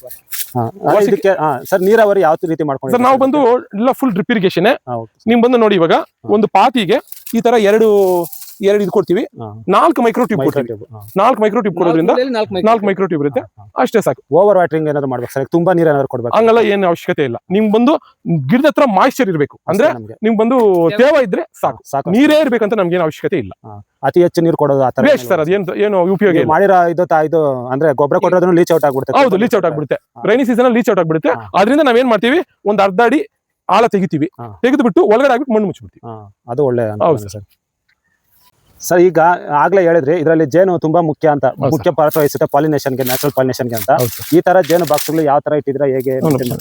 [SPEAKER 1] ಇದಕ್ಕೆ ಸರ್ ನೀರಾವರಿ ಯಾವ ರೀತಿ ಮಾಡ್ಕೊಂಡು
[SPEAKER 2] ಸರ್? ನಾವು ಬಂದು ಎಲ್ಲ ಫುಲ್ ಡ್ರಿಪ್ ಇರಿಗೇಷನ್. ನಿಮ್ ಬಂದು ನೋಡಿ, ಇವಾಗ ಒಂದು ಪಾತಿಗೆ ಈ ತರ ಎರಡು ಇದು ಕೊಡ್ತೀವಿ, 4 ಮೈಕ್ರೋ ಟ್ಯೂಬ್ ಕೊಡ್ತೀವಿ. 4 ಮೈಕ್ರೋ ಟ್ಯೂಬ್ ಕೊಡೋದ್ರಿಂದ 4 ಮೈಕ್ರೋ ಟ್ಯೂಬ್ ಇರುತ್ತೆ, ಅಷ್ಟೇ ಸಾಕು.
[SPEAKER 1] ಓವರ್ ವಾಟರಿಂಗ್ ಏನಾದ್ರು ಮಾಡ್ಬೇಕು ಸರ್? ತುಂಬಾ ನೀರು ಏನಾದ್ರು ಕೊಡ್ಬೇಕು?
[SPEAKER 2] ಹಂಗಲ್ಲ, ಏನು ಅವಶ್ಯಕತೆ ಇಲ್ಲ. ನಿಮ್ ಬಂದು ಗಿಡದ ಹತ್ರ ಮಾಯಿಶ್ಚರ್ ಇರಬೇಕು, ಅಂದ್ರೆ ನಿಮ್ ಬಂದು ತೇವ ಇದ್ರೆ ಸಾಕು. ನೀರೇ ಇರ್ಬೇಕಂತ ನಮ್ಗೆ ಏನು ಅವಶ್ಯಕತೆ ಇಲ್ಲ.
[SPEAKER 1] ಅತಿ ಹೆಚ್ಚು ನೀರು ಕೊಡೋದು
[SPEAKER 2] ವೇಸ್ಟ್ ಸರ್, ಅದೇನು ಉಪಯೋಗ ಇಲ್ಲ.
[SPEAKER 1] ಮಾಡಿರೋ ಇದು ಅಂದ್ರೆ ಗೊಬ್ಬರ ಕೊಡೋದನ್ನು ಲೀಚ್ ಔಟ್ ಆಗ್ಬಿಡುತ್ತೆ.
[SPEAKER 2] ಹೌದು, ಲೀಚ್ ಔಟ್ ಆಗ್ಬಿಡುತ್ತೆ. ರೈನಿ ಸೀಸನ್ ಅಲ್ಲಿ ಲೀಚ್ ಔಟ್ ಆಗ್ಬಿಡುತ್ತೆ. ಅದರಿಂದ ನಾವೇನ್ ಮಾಡ್ತೀವಿ, ಒಂದು ಅರ್ಧ ಅಡಿ ಆಳ ತೆಗಿತೀವಿ, ತೆಗೆದು ಬಿಟ್ಟು ಒಳಗಡೆ ಆಗ್ಬಿಟ್ಟು ಮಣ್ಣು ಮುಚ್ಚಿಬಿಡ್ತೀವಿ.
[SPEAKER 1] ಅದು ಒಳ್ಳೆ ಸರ್. ಸರ್ ಈಗ ಆಗ್ಲೇ ಹೇಳಿದ್ರಿ ಇದರಲ್ಲಿ ಜೇನು ತುಂಬಾ ಮುಖ್ಯ ಅಂತ, ಮುಖ್ಯ ಪಾತ್ರ ವಹಿಸುತ್ತೆ ಪಾಲಿನೇಷನ್ಗೆ, ನ್ಯಾಚುರಲ್ ಪಾಲಿನೇಷನ್ಗೆ ಅಂತ. ಈ ತರ ಜೇನು ಬಾಕ್ಸ್ಗಳು ಯಾವ ತರ ಇಟ್ಟಿದ್ರೆ ಹೇಗೆ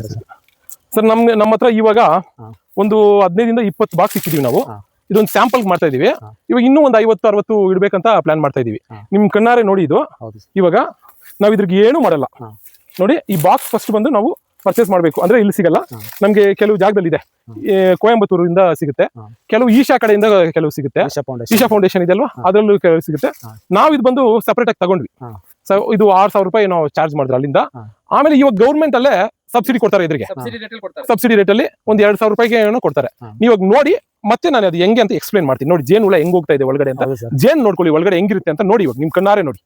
[SPEAKER 2] ಸರ್? ನಮ್ಮ ಹತ್ರ ಇವಾಗ ಒಂದು 15 ಇಂದ 20 ಬಾಕ್ಸ್ ಇಟ್ಟಿದೀವಿ ನಾವು. ಇದೊಂದು ಸ್ಯಾಂಪಲ್ ಮಾಡ್ತಾ ಇದೀವಿ. ಇವಾಗ ಇನ್ನೂ ಒಂದು 50-60 ಇಡ್ಬೇಕಂತ ಪ್ಲಾನ್ ಮಾಡ್ತಾ ಇದೀವಿ. ನಿಮ್ ಕಣ್ಣಾರೆ ನೋಡಿ, ಇದು ಇವಾಗ ನಾವ್ ಇದ್ರಿಗೆ ಏನು ಮಾಡಲ್ಲ. ನೋಡಿ, ಈ ಬಾಕ್ಸ್ ಫಸ್ಟ್ ಬಂದು ನಾವು ಪರ್ಚೇಸ್ ಮಾಡಬೇಕು. ಅಂದ್ರೆ ಇಲ್ಲಿ ಸಿಗಲ್ಲ ನಮ್ಗೆ, ಕೆಲವು ಜಾಗದಲ್ಲಿ ಇದೆ, ಕೊಯಂಬತ್ತೂರಿಂದ ಸಿಗುತ್ತೆ, ಕೆಲವು ಈಶಾ ಕಡೆಯಿಂದ ಕೆಲವು ಸಿಗುತ್ತೆ. ಈಶಾ ಫೌಂಡೇಶನ್ ಇದೆ ಅಲ್ವಾ, ಅದರಲ್ಲೂ ಕೆಲವು ಸಿಗುತ್ತೆ. ನಾವ್ ಇದು ಬಂದು ಸಪರೇಟ್ ಆಗಿ ತಗೊಂಡ್ವಿ. ಇದು 6,000 ರೂಪಾಯಿ ನಾವು ಚಾರ್ಜ್ ಮಾಡಿದ್ರೆ ಅಲ್ಲಿಂದ. ಆಮೇಲೆ ಇವಾಗ ಗೌರ್ಮೆಂಟ್ ಅಲ್ಲೇ ಸಬ್ಸಿಡಿ ಕೊಡ್ತಾರೆ, ಇದ್ರಿಗೆ ಸಬ್ಸಿಡಿ ರೇಟ್ ಅಲ್ಲಿ ಒಂದು 2,000 ರೂಪಾಯಿಗೆ ಏನೋ ಕೊಡ್ತಾರೆ. ನೀವಾಗ ನೋಡಿ, ಮತ್ತೆ ನಾನು ಅದು ಹೆಂಗೆ ಅಂತ ಎಕ್ಸ್ಪ್ಲೇನ್ ಮಾಡ್ತೀನಿ. ನೋಡಿ, ಜೇನು ಹುಳ ಹೆಂಗ್ ಹೋಗ್ತಾ ಇದೆ ಒಳಗಡೆ ಅಂತ, ಜೇನ್ ನೋಡ್ಕೊಳ್ಳಿ ಒಳಗಡೆ ಹೆಂಗಿರುತ್ತೆ ಅಂತ ನೋಡಿ. ಇವಾಗ ನಿಮ್ ಕಣ್ಣಾರೆ ನೋಡಿ.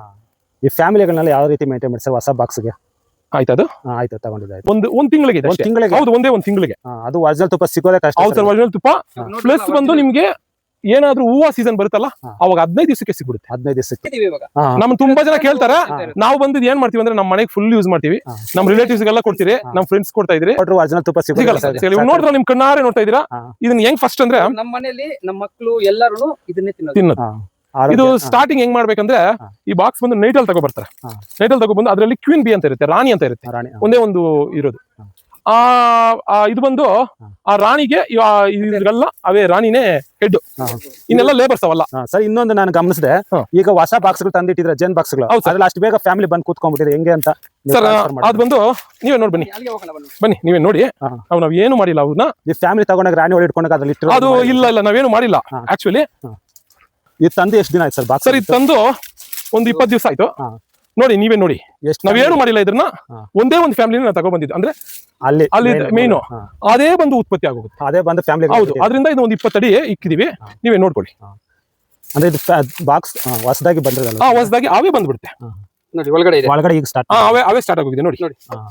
[SPEAKER 1] ಈ ಫ್ಯಾಮಿಲಿಗಳನ್ನ ಯಾವ ರೀತಿ ಮೇಂಟೈನ್ ಮಾಡ್ತಾರೆ ಹೊಸ ಬಾಕ್ಸ್ಗೆ?
[SPEAKER 2] ಆಯ್ತದು
[SPEAKER 1] ಆಯ್ತು, ತಗೊಂಡಿದ್ದೆ.
[SPEAKER 2] ಒಂದು ತಿಂಗಳಿಗೆ ಹೌದು, ಒಂದೇ ಒಂದು ತಿಂಗಳಿಗೆ.
[SPEAKER 1] ಅದು ಒರಿಜಿನಲ್ ತುಪ್ಪ ಸಿಗೋದೇ ಕಷ್ಟ.
[SPEAKER 2] ಹೌದು ಸರ್, ಒರಿಜಿನಲ್ ತುಪ್ಪ. ಪ್ಲಸ್ ಬಂದು ನಿಮ್ಗೆ ಏನಾದ್ರೂ ಹೂವು ಸೀಸನ್ ಬರುತ್ತಲ್ಲ, ಅವಾಗ 15 ದಿವಸಕ್ಕೆ ಸಿಗ್ಬಿಡುತ್ತೆ.
[SPEAKER 1] 15 ದಿವಸಕ್ಕೆ.
[SPEAKER 2] ನಮ್ ತುಂಬಾ ಜನ ಕೇಳ್ತಾರೆ, ನಾವು ಬಂದಿದ್ ಏನ್ ಮಾಡ್ತೀವಿ ಅಂದ್ರೆ, ನಮ್ಮ ಮನೆಗೆ ಫುಲ್ ಯೂಸ್ ಮಾಡ್ತೀವಿ, ನಮ್ ರಿಲೇಟಿವ್ಸ್ ಗೆಲ್ಲ ಕೊಡ್ತೀರಿ, ನಮ್ ಫ್ರೆಂಡ್ಸ್ ಕೊಡ್ತಾ ಇದ್ರಿ.
[SPEAKER 1] ಒರಿಜಿನಲ್ ತುಪ್ಪ ಸಿಗಲ್ಲ
[SPEAKER 2] ಸರ್. ನೋಡ್ರ ನಿಮ್ ಕಣ್ಣಾರೆ ನೋಡ್ತಾ ಇದೀರಾ, ಇದನ್ನ ಹೆಂಗ್ ಫಸ್ಟ್ ಅಂದ್ರೆ,
[SPEAKER 3] ನಮ್ಮ ಮನೆಯಲ್ಲಿ ನಮ್ಮ ಮಕ್ಕಳು ಎಲ್ಲರೂ ಇದನ್ನೇ
[SPEAKER 2] ತಿನ್ನೋದು. ಇದು ಸ್ಟಾರ್ಟಿಂಗ್ ಹೆಂಗ್ ಮಾಡ್ಬೇಕಂದ್ರೆ, ಈ ಬಾಕ್ಸ್ ಬಂದು ನೈಟಲ್ಲಿ ತಗೊಬರ್ತಾರೆ. ನೈಟಲ್ಲಿ ತಗೊಬಂದು ಅದರಲ್ಲಿ ಕ್ವೀನ್ ಬಿ ಅಂತ ಇರುತ್ತೆ, ರಾಣಿ ಅಂತ ಇರುತ್ತೆ, ಒಂದೇ ಒಂದು ಇರೋದು. ಇದು ಬಂದು ಆ ರಾಣಿಗೆ ಇದ್ರಲ್ಲ, ಅವೇ ರಾಣಿನೇ ಹೆಡ್, ಇನ್ನೆಲ್ಲ ಲೇಬರ್ಸ್ ಅವಲ್ಲ.
[SPEAKER 1] ಸರ್, ಇನ್ನೊಂದು ನಾನು ಗಮನಿಸಿದೆ, ಈಗ ಹೊಸ ಬಾಕ್ಸ್ ಗಳು ತಂದಿಟ್ಟಿದ್ರೆ ಜೇನ್ ಬಾಕ್ಸ್ ಗಳು, ಅದ್ರಲ್ಲಿ ಅಷ್ಟು ಬೇಗ ಫ್ಯಾಮಿಲಿ ಬಂದು ಕೂತ್ಕೊಂಡ್ಬಿಟ್ಟಿದೆ ಹೆಂಗೆ ಅಂತ
[SPEAKER 2] ಸರ್? ಅದ್ ಬಂದು ನೀವೇ ನೋಡಿ, ಬನ್ನಿ ನೀವೇ ನೋಡಿ. ನಾವ್ ಏನು ಮಾಡಿಲ್ಲ, ಅವ್ರನ್ನ
[SPEAKER 1] ಈ ಫ್ಯಾಮಿಲಿ ತಗೊಂಡಾಗ ರಾಣಿ ಒಳಗೆ ಇಟ್ಕೊಂಡಾಗ ಅದ್ರಲ್ಲಿ ಇಟ್ಟು
[SPEAKER 2] ಅದು ಇಲ್ಲ, ನಾವೇನು ಮಾಡಿಲ್ಲ ಆಕ್ಚುಲಿ.
[SPEAKER 1] ಇದು ತಂದು ಎಷ್ಟು ದಿನ ಆಯ್ತು ಸರ್ ಬಾಕ್ಸ್?
[SPEAKER 2] ಸರ್, ಇದು ತಂದು ಒಂದು 20 ದಿವಸ ಆಯ್ತು. ನೋಡಿ, ನೀವೇ ನೋಡಿ, ನಾವೇನು ಮಾಡಿಲ್ಲ. ಇದನ್ನ ಒಂದೇ ಒಂದು ಫ್ಯಾಮಿಲಿನ ತಗೊಂಡ್ಬಂದಿದ್ದು, ಅಂದ್ರೆ ಅಲ್ಲಿ ಮೇನು ಅದೇ ಬಂದು ಉತ್ಪತ್ತಿ ಆಗೋಗುತ್ತೆ,
[SPEAKER 1] ಅದೇ ಬಂದು ಫ್ಯಾಮಿಲಿ.
[SPEAKER 2] ಹೌದು, ಅದರಿಂದ ಇದು ಒಂದು 20 ಅಡಿ ಇಕ್ಕಿದೀವಿ, ನೀವೇ ನೋಡ್ಕೊಳ್ಳಿ.
[SPEAKER 1] ಅಂದ್ರೆ ಇದು ಬಾಕ್ಸ್ ಹೊಸದಾಗಿ ಬಂದಿರಲ್ಲ,
[SPEAKER 2] ಹೊಸದಾಗಿ ಅವೇ ಬಂದ್ಬಿಡುತ್ತೆ
[SPEAKER 3] ನೋಡಿ. ಒಳಗಡೆ
[SPEAKER 1] ಈಗ ಸ್ಟಾರ್ಟ್
[SPEAKER 2] ಅವೇ ಸ್ಟಾರ್ಟ್ ಆಗೋಗಿದೆ ನೋಡಿ.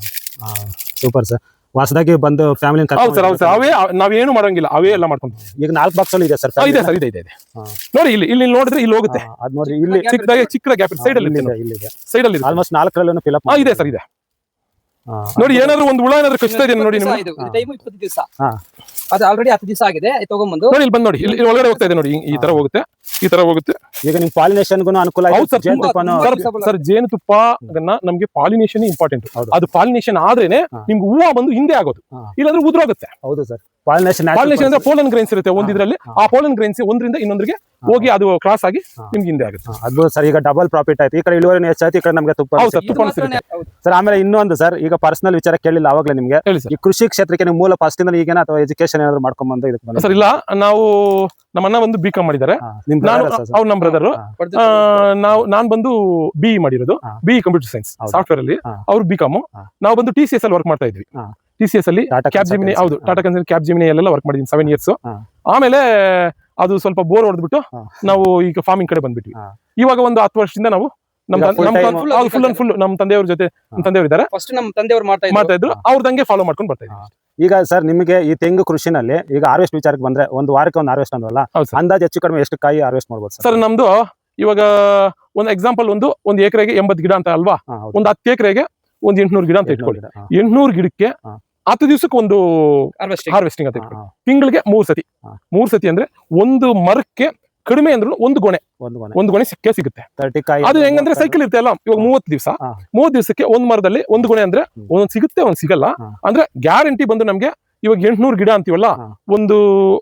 [SPEAKER 1] Super sir. ಹೊಸದಾಗಿ ಬಂದು ಫ್ಯಾಮಿಲಿ.
[SPEAKER 2] ಹೌದು ಸರ್, ಅವೇ ನಾವೇನು ಮಾಡಂಗಿಲ್ಲ, ಅವೇ ಎಲ್ಲ ಮಾಡ್ಕೊಂಡು.
[SPEAKER 1] ಈಗ 4 ಬಾಕ್ಸ್ ಅಲ್ಲಿ ಇದೆ ಸರ್?
[SPEAKER 2] ಇದೆ ಸರ್, ಇದೆ. ನೋಡಿ, ಇಲ್ಲಿ ನೋಡಿದ್ರೆ ಇಲ್ಲಿ ಹೋಗುತ್ತೆ.
[SPEAKER 1] ಅದ್ ನೋಡಿ, ಇಲ್ಲಿ
[SPEAKER 2] ಚಿಕ್ಕ ಗ್ಯಾಪ್ ಸೈಡ್ ಅಲ್ಲಿ ಸೈಡ್ ಅಲ್ಲಿ
[SPEAKER 1] ಆಲ್ಮೋಸ್ಟ್ 4 ಫಿಲ್ ಅಪ್
[SPEAKER 2] ಇದೆ ಸರ್, ಇದೆ. ನೋಡಿ, ಏನಾದ್ರು ಒಂದು ಹುಳ ಏನಾದ್ರು ಕಚ್ತಾ ಇದೆ ನೋಡಿ.
[SPEAKER 3] ಟೈಮ್ 20 ದಿವಸ ಅದು ಆಲ್ರೆಡಿ 10 ದಿವಸ ಆಗಿದೆ ಇದು ತಗೊಂಡ್ಬಂದು
[SPEAKER 2] ನೋಡಿ ಇಲ್ಲಿ ಬಂದು ನೋಡಿ ಇಲ್ಲಿ ಒಳಗಡೆ ಹೋಗ್ತಾ ಇದೆ ನೋಡಿ ಈ ತರ ಹೋಗುತ್ತೆ ಈ ತರ ಹೋಗುತ್ತೆ.
[SPEAKER 1] ಈಗ ನಿಮ್ ಪಾಲಿನೇಷನ್ಗೂ ಅನುಕೂಲ
[SPEAKER 2] ಹೌದು
[SPEAKER 1] ಆಯ್ತು,
[SPEAKER 2] ಸರ್,
[SPEAKER 1] ಜೇನುತುಪ್ಪನೂ
[SPEAKER 2] ಸರ್ ಜೇನುತುಪ್ಪ ನಮ್ಗೆ ಪಾಲಿನೇಷನ್ ಇಂಪಾರ್ಟೆಂಟ್.
[SPEAKER 1] ಹೌದು.
[SPEAKER 2] ಅದು ಪಾಲಿನೇಷನ್ ಆದ್ರೇನೆ ನಿಮ್ಗೆ ಹೂವು ಬಂದು ಹಿಂದೆ ಆಗೋದು, ಇಲ್ಲಾಂದ್ರೆ ಉದುರೋಗುತ್ತೆ.
[SPEAKER 1] ಹೌದು ಸರ್, ಪಾಲಿನೇಷನ್
[SPEAKER 2] ಪಾಲಿನೇಷನ್ ಅಂದ್ರೆ ಪೋಲನ್ ಗ್ರೈನ್ಸ್ ಇರುತ್ತೆ ಒಂದಿದ್ರಲ್ಲಿ, ಆ ಪೋಲನ್ ಗ್ರೈನ್ಸ್ ಒಂದ್ರಿಂದ ಇನ್ನೊಂದ್ರಿಗೆ ಹೋಗಿ ಅದು ಕ್ರಾಸ್ ಆಗಿ ನಿಮ್ಗೆ ಹಿಂದೆ ಆಗುತ್ತೆ.
[SPEAKER 1] ಅದು ಸರ್ ಈಗ ಡಬಲ್ ಪ್ರಾಫಿಟ್ ಆಯ್ತು, ಈ ಕಡೆ ಇಳುವರಿನೂ ಹೆಚ್ಚಾಯ್ತು, ಈ ಕಡೆ ನಮ್ಗೆ ತುಪ್ಪ
[SPEAKER 2] ಹೌದು ಸರ್,
[SPEAKER 3] ಇದು
[SPEAKER 2] ತುಪ್ಪ
[SPEAKER 3] ಮಾತ್ರನೇ
[SPEAKER 2] ಸಿಗುತ್ತೆ.
[SPEAKER 3] ಹೌದು.
[SPEAKER 1] ಸರ್. ಆಮೇಲೆ ಇನ್ನೊಂದು ಸರ್, ಈಗ ಪರ್ಸನಲ್ ವಿಚಾರ ಕೇಳಿಲ್ಲ ಅವಾಗಲೇ ನಿಮ್ಗೆ,
[SPEAKER 2] ಹೇಳಿ ಸರ್.
[SPEAKER 1] ಈ ಕೃಷಿ ಕ್ಷೇತ್ರಕ್ಕೆ ನೀವು ಮೂಲ ಫಸ್ಟ್ ಇಂದ ಈಗೇನ ಅಥವಾ ಎಜುಕೇಶನ್ ಏನಾದ್ರು ಮಾಡ್ಕೊಂಡ್ಬಂದು ಇದಕ್ಕೆ ಬಂದ್ರೆ?
[SPEAKER 2] ಸರ್ ಇಲ್ಲ, ನಾವು ನಮ್ಮ ಅಣ್ಣ ಬಂದು ಬಿ.ಕಾಮ್ ಮಾಡಿದ್ದಾರೆ,
[SPEAKER 1] ನಿಮ್
[SPEAKER 2] ನಾನು
[SPEAKER 1] brother sir?
[SPEAKER 2] ಅವ್ರು ನಮ್ಮ ಬ್ರದರ್. ನಾನ್ ಬಂದು BE ಮಾಡಿರೋದು, BE ಕಂಪ್ಯೂಟರ್ ಸೈನ್ಸ್
[SPEAKER 1] ಹೌದು.
[SPEAKER 2] ಸಾಫ್ಟ್ವೇರ್ ಅಲ್ಲಿ, ಅವ್ರು B.ಕಾಮ್. ನಾವು ಬಂದು TCS ಅಲ್ಲಿ ವರ್ಕ್ ಮಾಡ್ತಾ ಇದ್ವಿ. TCS ಅಲ್ಲಿ
[SPEAKER 1] Tata
[SPEAKER 2] ಕ್ಯಾಬ್ ಜಿಮಿನಿ,
[SPEAKER 1] Consultancy.
[SPEAKER 2] ಹೌದು ಟಾಟಾ ಕನ್ಸಲ್ಟೆನ್ಸಿ ಕ್ಯಾಬ್ ಜಿಮಿನಿ ಅಲ್ಲೆಲ್ಲ ವರ್ಕ್ ಮಾಡಿದ್ದೀನಿ 7 years.
[SPEAKER 1] ಹಾ.
[SPEAKER 2] ಆಮೇಲೆ ಅದು ಸ್ವಲ್ಪ ಬೋರ್ ಹೊಡೆದ್ಬಿಟ್ಟು ನಾವು ಈಗ ಫಾರ್ಮಿಂಗ್ ಕಡೆ ಬಂದ್ಬಿಟ್ವಿ. ಇವಾಗ ಒಂದು 10 ವರ್ಷದಿಂದ ನಾವು
[SPEAKER 1] ಈಗ full time
[SPEAKER 2] full and full ನಮ್ಮ ತಂದೆಯವ್ರ ಜೊತೆ, ನಮ್ಮ ತಂದೆಯವರು ಇದ್ದಾರೆ,
[SPEAKER 3] ಫಸ್ಟ್ ನಮ್ಮ ತಂದೆಯವರು
[SPEAKER 2] ಮಾಡ್ತಾ ಇದ್ರು, ಅವ್ರದಂಗೆ ಫಾಲೋ ಮಾಡ್ಕೊಂಡು ಬರ್ತಾ ಇದ್ವಿ.
[SPEAKER 1] ಈಗ ಸರ್ ನಿಮಗೆ ಈ ತೆಂಗು ಕೃಷಿನಲ್ಲಿ ಈಗ ಹಾರ್ವೆಸ್ಟ್ ವಿಚಾರಕ್ಕೆ ಬಂದ್ರೆ, ಒಂದು ವಾರಕ್ಕೆ ಒಂದು ಹಾರ್ವೆಸ್ಟ್ ಅಂದ್ವಲ್ಲ,
[SPEAKER 2] ಹೌದು ಸರ್.
[SPEAKER 1] ಅಂದಾಜು ಹೆಚ್ಚು ಕಡಿಮೆ ಎಷ್ಟು ಕಾಯಿ ಹಾರ್ವೆಸ್ಟ್ ಮಾಡ್ಬೋದು
[SPEAKER 2] ಸರ್ ನಮ್ದು ಇವಾಗ ಒಂದು ಎಕ್ಸಾಂಪಲ್, ಒಂದು ಎಕರೆಗೆ 80 ಗಿಡ ಅಂತ ಅಲ್ವಾ, ಒಂದು 10 ಎಕರೆಗೆ ಒಂದು 800 ಗಿಡ ಅಂತ ಇಟ್ಕೊಳ್ಳಿ. 800 ಗಿಡಕ್ಕೆ 10 ದಿವಸಕ್ಕೆ ಒಂದು ಹಾರ್ವೆಸ್ಟಿಂಗ್ ಅಂತ ಇಟ್ಕೊಳ್ಳಿ. ತಿಂಗಳಿಗೆ 3 ಸತಿ ಅಂದ್ರೆ ಒಂದು ಮರಕ್ಕೆ ಕಡಿಮೆ ಅಂದ್ರೂ ಒಂದು ಗೊನೆ ಸಿಗುತ್ತೆ.
[SPEAKER 1] 30 ಕಾಯಿ
[SPEAKER 2] ಅದು ಹೆಂಗಂದ್ರೆ ಸೈಕಲ್ ಇರುತ್ತೆ ಅಲ್ಲ, ಇವಾಗ 30 ದಿವಸಕ್ಕೆ ಒಂದು ಮರದಲ್ಲಿ ಒಂದು ಗೊನೆ ಅಂದ್ರೆ ಒಂದೊಂದು ಸಿಗುತ್ತೆ, ಒಂದ್ ಸಿಗಲ್ಲ. ಅಂದ್ರೆ ಗ್ಯಾರಂಟಿ ಬಂದು ನಮ್ಗೆ ಇವಾಗ 800 ಗಿಡ ಅಂತೀವಲ್ಲ, ಒಂದು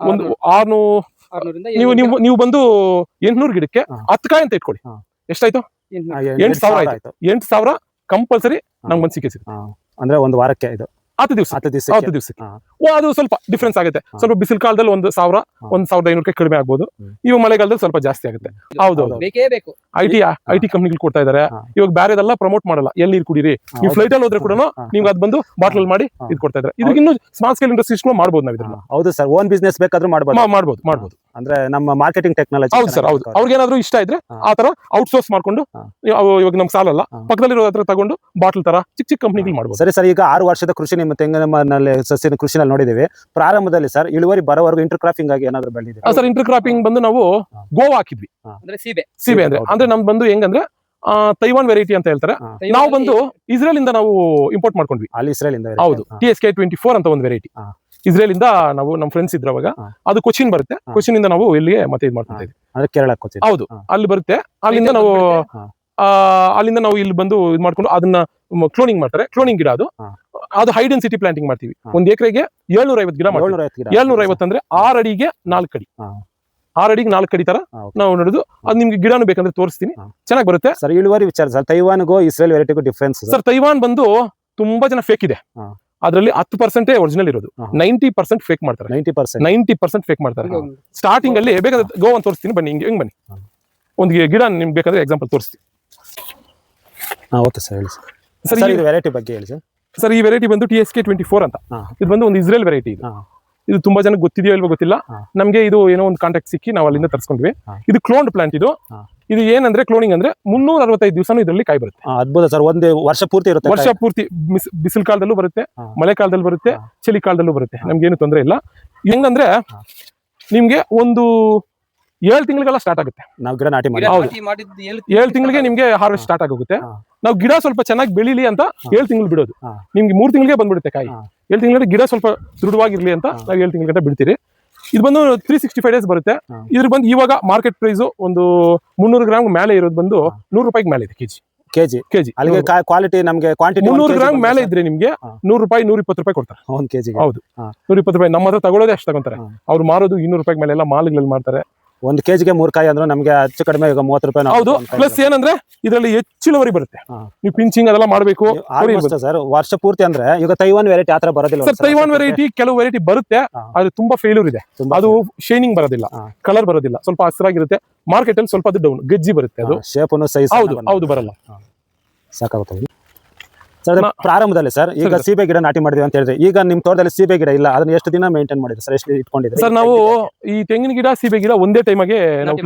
[SPEAKER 2] 600 ನೀವು ಬಂದು 800 ಗಿಡಕ್ಕೆ 10 ಕಾಯಿ ಅಂತ ಇಟ್ಕೊಳ್ಳಿ, ಎಷ್ಟಾಯ್ತು? 8,000 ಆಯ್ತು. 8,000 ಕಂಪಲ್ಸರಿ ನಮ್ಗೆ ಒಂದು ಸಿಗುತ್ತೆ.
[SPEAKER 1] ಅಂದ್ರೆ ಒಂದು ವಾರಕ್ಕೆ ಇದು
[SPEAKER 2] 10 ದಿವಸಕ್ಕೆ ಅದು ಸ್ವಲ್ಪ ಡಿಫ್ರೆನ್ಸ್ ಆಗುತ್ತೆ. ಸ್ವಲ್ಪ ಬಿಸಿಲು ಕಾಲದಲ್ಲಿ 1,000 1,500 ಕಡಿಮೆ ಆಗ್ಬೋದು, ಇವಾಗ ಮಳೆಗಾಲದಲ್ಲಿ ಸ್ವಲ್ಪ ಜಾಸ್ತಿ ಆಗುತ್ತೆ. ಹೌದು,
[SPEAKER 3] ಬೇಕೇ ಬೇಕು.
[SPEAKER 2] ಐಟಿ ಕಂಪ್ನಿಗಳು ಕೊಡ್ತಾ ಇದಾರೆ. ಇವಾಗ ಬೇರೆದೆಲ್ಲ ಪ್ರಮೋಟ್ ಮಾಡಲ್ಲ, ಎಲ್ಲಿ ಕುಡೀರಿ, ನೀವು ಫ್ಲೈಟ್ ಅಲ್ಲಿ ಹೋದ್ರೆ ಕೂಡ ನಿಮ್ಗೆ ಅದ್ ಬಂದು ಬಾಟಲ್ ಮಾಡಿ ಇದು ಕೊಡ್ತಾ ಇದಾರೆ. ಇದಕ್ಕೆ ಇನ್ನು ಸ್ಮಾಲ್ ಸ್ಕೇಲ್ ಇಂಡಸ್ಟ್ರೀಸ್ ಮಾಡ್ಬೋದು ನಾವು ಇದನ್ನ.
[SPEAKER 1] ಹೌದು ಸರ್, ಓನ್ ಬಿಸ್ನೆಸ್ ಬೇಕಾದ್ರೂ ಮಾಡ್ಬೋದು. ಅಂದ್ರೆ ನಮ್ಮ ಮಾರ್ಕೆಟಿಂಗ್ ಟೆಕ್ನಾಲಜಿ.
[SPEAKER 2] ಹೌದು ಸರ್, ಹೌದು. ಅವ್ರಿಗೇನಾದ್ರೂ ಇಷ್ಟ ಇದ್ರೆ ಆ ತರ ಔಟ್ಸೋರ್ಸ್ ಮಾಡ್ಕೊಂಡು, ಇವಾಗ ನಮ್ ಸಾಲಲ್ಲ, ಪಕ್ಕದಲ್ಲಿರೋ ಹತ್ರ ತಗೊಂಡು ಬಾಟಲ್ ತರ ಚಿಕ್ಕ ಕಂಪ್ನಿಗಳು ಮಾಡ್ಬೋದು.
[SPEAKER 1] ಸರಿ ಸರ್, ಈಗ 6 ವರ್ಷದ ಕೃಷಿ ನಿಮ್ಮ ತೆಂಗಿನಲ್ಲಿ ಸಸ್ಯದ ಕೃಷಿನಲ್ಲಿ ನೋಡಿದೀವಿ. ಪ್ರಾರಂಭದಲ್ಲಿ ಸರ್ ಇಳುವರಿ ಬರೋವರೆಗೂ ಇಂಟರ್ ಕ್ರಾಪಿಂಗ್ ಆಗಿ ಏನಾದ್ರು ಬೆಳೆದಿದೆ
[SPEAKER 2] ಸರ್? ಇಂಟರ್ ಕ್ರಾಪಿಂಗ್ ಬಂದು ನಾವು ಗೋವಾ ಹಾಕಿದ್ವಿ,
[SPEAKER 3] ಅಂದ್ರೆ ಸೀಬೆ
[SPEAKER 2] ಅಂದ್ರೆ ನಮ್ದು ಬಂದು ಹೆಂಗಂದ್ರೆ ತೈವಾನ್ ವೆರೈಟಿ ಅಂತ ಹೇಳ್ತಾರೆ. ನಾವು ಬಂದು ಇಸ್ರೇಲ್ ಇಂದ ನಾವು ಇಂಪೋರ್ಟ್ ಮಾಡ್ಕೊಂಡ್ವಿ.
[SPEAKER 1] ಅಲ್ಲಿ ಇಸ್ರೇಲ್ ಇಂದ?
[SPEAKER 2] ಹೌದು, TSK 24 ಅಂತ ಒಂದು ವೆರೈಟಿ ಇಸ್ರೇಲ್ ಇಂದ ನಾವು, ನಮ್ಮ ಫ್ರೆಂಡ್ಸ್ ಇದ್ರ ಅವಾಗ, ಅದು ಕೊಚ್ಚಿನ್ ಬರುತ್ತೆ, ಕೊಚ್ಚಿನ್ ಇಂದ ನಾವು ಇಲ್ಲಿಗೆ ಮತ್ತೆ ಇದು ಮಾಡ್ತಾ ಇದ್ವಿ.
[SPEAKER 1] ಅಂದ್ರೆ ಕೇರಳ ಕೊಚ್ಚಿನ್?
[SPEAKER 2] ಹೌದು, ಅಲ್ಲಿ ಬರುತ್ತೆ. ಅಲ್ಲಿಂದ ನಾವು ಇಲ್ಲಿ ಬಂದು ಇದು ಮಾಡ್ಕೊಂಡು ಅದನ್ನ ಕ್ಲೋನಿಂಗ್ ಮಾಡ್ತಾರೆ. ಕ್ಲೋನಿಂಗ್ ಗಿಡ ಅದು ಹೈ ಡೆನ್ಸಿಟಿ ಪ್ಲಾಂಟಿಂಗ್ ಮಾಡ್ತೀವಿ. ಒಂದು ಎಕರೆಗೆ 750 ಗಿಡ ಮಾಡ್ತೀವಿ. 750 ಅಂದ್ರೆ 6 ಅಡಿಗೆ 4 ಅಡಿ, 6 ಅಡಿಗೆ 4 ಅಡಿ ತರ ನಾವು ನೋಡುದು. ಅದು ನಿಮ್ಗೆ ಗಿಡನೂ ಬೇಕಂದ್ರೆ ತೋರಿಸ್ತೀನಿ, ಚೆನ್ನಾಗಿ ಬರುತ್ತೆ.
[SPEAKER 1] ಸರ್ ಇಳುವರಿ ವಿಚಾರ ಸರ್, ತೈವಾನ್ಗೂ ಇಸ್ರೇಲ್ ವೆರೈಟಿಗೂ ಡಿಫ್ರೆನ್ಸ್?
[SPEAKER 2] ಸರ್ ತೈವಾನ್ ಬಂದು ತುಂಬಾ ಜನ ಫೇಕ್ ಇದೆ, ಅದರಲ್ಲಿ 10% ಒರಿಜಿನಲ್ ಇರೋದು, 90% ಫೇಕ್ ಮಾಡ್ತಾರೆ. 90% ಫೇಕ್ ಮಾಡ್ತಾರೆ. ಸ್ಟಾರ್ಟಿಂಗ್ ಅಲ್ಲಿ ಬೇಕಾದ್ರೆ ಗೋವಾ ತೋರಿಸ್ತೀನಿ, ಬನ್ನಿ ಹಿಂಗ್ ಬನ್ನಿ, ಒಂದು ಗಿಡ ನಿಮ್ಗೆ ಬೇಕಾದ್ರೆ ಎಕ್ಸಾಂಪಲ್ ತೋರಿಸ್ತೀನಿ.
[SPEAKER 1] ಓಕೆ ಸರ್, ಹೇಳಿ ಸರ್. ಇದು ವೆರೈಟಿ ಬಗ್ಗೆ ಹೇಳಿ ಸರ್.
[SPEAKER 2] ಸರ್ ಈ ವೆರೈಟಿ ಬಂದು TSK 24 ಅಂತ. ಇದು ಬಂದು ಒಂದು ಇಸ್ರೇಲ್ ವೆರೈಟಿ. ಇದು ತುಂಬಾ ಜನಕ್ಕೆ ಗೊತ್ತಿದೆಯೋ ಇಲ್ವೋ ಗೊತ್ತಿಲ್ಲ, ನಮ್ಗೆ ಇದು ಏನೋ ಒಂದು ಕಾಂಟ್ಯಾಕ್ಟ್ ಸಿಕ್ಕಿ ನಾವು ಅಲ್ಲಿಂದ ತರಿಸ್ಕೊಂಡ್ವಿ. ಇದು ಕ್ಲೋನ್ಡ್ ಪ್ಲಾಂಟ್. ಇದು ಏನಂದ್ರೆ ಕ್ಲೋನಿಂಗ್ ಅಂದ್ರೆ 365 ದಿವಸ ಇದರಲ್ಲಿ ಕಾಯಿ ಬರುತ್ತೆ.
[SPEAKER 1] ಅದ್ಭುತ ಸರ್, ಒಂದು ವರ್ಷ ಪೂರ್ತಿ ಇರುತ್ತೆ.
[SPEAKER 2] ವರ್ಷ ಪೂರ್ತಿ ಬಿಸಿಲು ಕಾಲದಲ್ಲೂ ಬರುತ್ತೆ, ಮಳೆ ಕಾಲದಲ್ಲೂ ಬರುತ್ತೆ, ಚಳಿ ಕಾಲದಲ್ಲೂ ಬರುತ್ತೆ, ನಮ್ಗೇನು ತೊಂದರೆ ಇಲ್ಲ. ಹೆಂಗಂದ್ರೆ ನಿಮ್ಗೆ ಒಂದು 7 ತಿಂಗಳಿಗೆಲ್ಲ ಸ್ಟಾರ್ಟ್ ಆಗುತ್ತೆ.
[SPEAKER 1] ನಾವು ಗಿಡ ನಾಟಿ ಮಾಡಿ
[SPEAKER 2] 7 ತಿಂಗಳಿಗೆ ನಿಮ್ಗೆ ಹಾರ್ವೆಸ್ಟ್ ಸ್ಟಾರ್ಟ್ ಆಗೋಗುತ್ತೆ. ನಾವು ಗಿಡ ಸ್ವಲ್ಪ ಚೆನ್ನಾಗಿ ಬೆಳಿಲಿ ಅಂತ 7 ತಿಂಗಳು ಬಿಡೋದು, ನಿಮ್ಗೆ 3 ತಿಂಗಳಿಗೆ ಬಂದ್ಬಿಡುತ್ತೆ ಕಾಯಿ. 7 ತಿಂಗಳಿಗೆ ಗಿಡ ಸ್ವಲ್ಪ ದೃಢವಾಗಿರ್ಲಿ ಅಂತ ನಾವು 7 ತಿಂಗಳ ಬಿಡ್ತೀರಿ. ಇದು ಬಂದು 365 ಡೇಸ್ ಬರುತ್ತೆ. ಇದ್ರ ಬಂದು ಇವಾಗ ಮಾರ್ಕೆಟ್ ಪ್ರೈಸ್ ಒಂದು 300 ಗ್ರಾಮ್ ಮೇಲೆ ಇರೋದು ಬಂದು 100 ರೂಪಾಯಿಗೆ ಮೇಲೆ ಇದೆ ಕೆಜಿ. ಅಲ್ಲಿಗೆ ಕ್ವಾಲಿಟಿ ನಮ್ಗೆ ಕ್ವಾಂಟಿಟಿ 300 ಗ್ರಾಮ್ ಮೇಲೆ ಇದ್ರೆ ನಿಮ್ಗೆ 100 ರೂಪಾಯಿ 120 ರೂಪಾಯಿ ಕೊಡ್ತಾರೆ 1 ಕೆಜಿ. ಹೌದು, 120 ರೂಪಾಯಿ. ನಮ್ಮ ಹತ್ರ ತಗೊಳ್ಳೋದೇ ಅಷ್ಟು ತಗೊಂತಾರೆ, ಅವ್ರು ಮಾರೋದು 200 ರೂಪಾಯಿ ಮೇಲೆ ಎಲ್ಲ ಮಾಲ್ಗಳಲ್ಲಿ ಮಾಡ್ತಾರೆ.
[SPEAKER 1] 1 ಕೆಜಿಗೆ 3 ಕಾಯಿ ಅಂದ್ರೆ ನಮ್ಗೆ ಹೆಚ್ಚು ಕಡಿಮೆ ಈಗ 30 ರೂಪಾಯಿ.
[SPEAKER 2] ಹೌದು, ಪ್ಲಸ್ ಏನಂದ್ರೆ ಇದರಲ್ಲಿ ಹೆಚ್ಚು ಇಳುವರಿ ಬರುತ್ತೆ. ನೀವು ಪಿಂಚಿಂಗ್ ಅದೆಲ್ಲ ಮಾಡಬೇಕು
[SPEAKER 1] ಸರ್. ವರ್ಷ ಪೂರ್ತಿ ಅಂದ್ರೆ ಈಗ ತೈವಾನ್ ವೆರೈಟಿ ಆತರ ಬರೋದಿಲ್ಲ
[SPEAKER 2] ಸರ್. ತೈವಾನ್ ವೆರೈಟಿ ಕೆಲವು ವೆರೈಟಿ ಬರುತ್ತೆ, ಅದು ತುಂಬಾ ಫೇಲ್ಯೂರ್ ಇದೆ. ಅದು ಶೈನಿಂಗ್ ಬರೋದಿಲ್ಲ, ಕಲರ್ ಬರೋದಿಲ್ಲ, ಸ್ವಲ್ಪ ಹಸಿರಾಗಿರುತ್ತೆ. ಮಾರ್ಕೆಟ್ ಅಲ್ಲಿ ಸ್ವಲ್ಪ ಅದು ಡೌನ್ ಗಜ್ಜಿ ಬರುತ್ತೆ, ಅದು
[SPEAKER 1] ಶೇಪನು ಸೈಜ್
[SPEAKER 2] ಹೌದು ಬರಲ್ಲ.
[SPEAKER 1] ಸಾಕಾಗುತ್ತೆ ಸರ್. ಪ್ರಾರಂಭದಲ್ಲಿ ಸರ್ ಈಗ ಸೀಬೆ ಗಿಡ ನಾಟಿ ಮಾಡಿದ್ವಿ ಅಂತ ಹೇಳಿದ್ರೆ, ಈಗ ನಿಮ್ ತೋಟದಲ್ಲಿ ಸೀಬೆ ಗಿಡ ಇಲ್ಲ, ಅದನ್ನ ಎಷ್ಟು ದಿನ ಮೇಂಟೈನ್ ಮಾಡಿದ್ರಿ ಸರ್? ಎಷ್ಟು ಇಟ್ಕೊಂಡಿದ್ರಿ
[SPEAKER 2] ಸರ್? ನಾವು ಈ ತೆಂಗಿನ ಗಿಡ ಸೀಬೆ ಗಿಡ ಒಂದೇ ಟೈಮಾಗೆ ನಾವು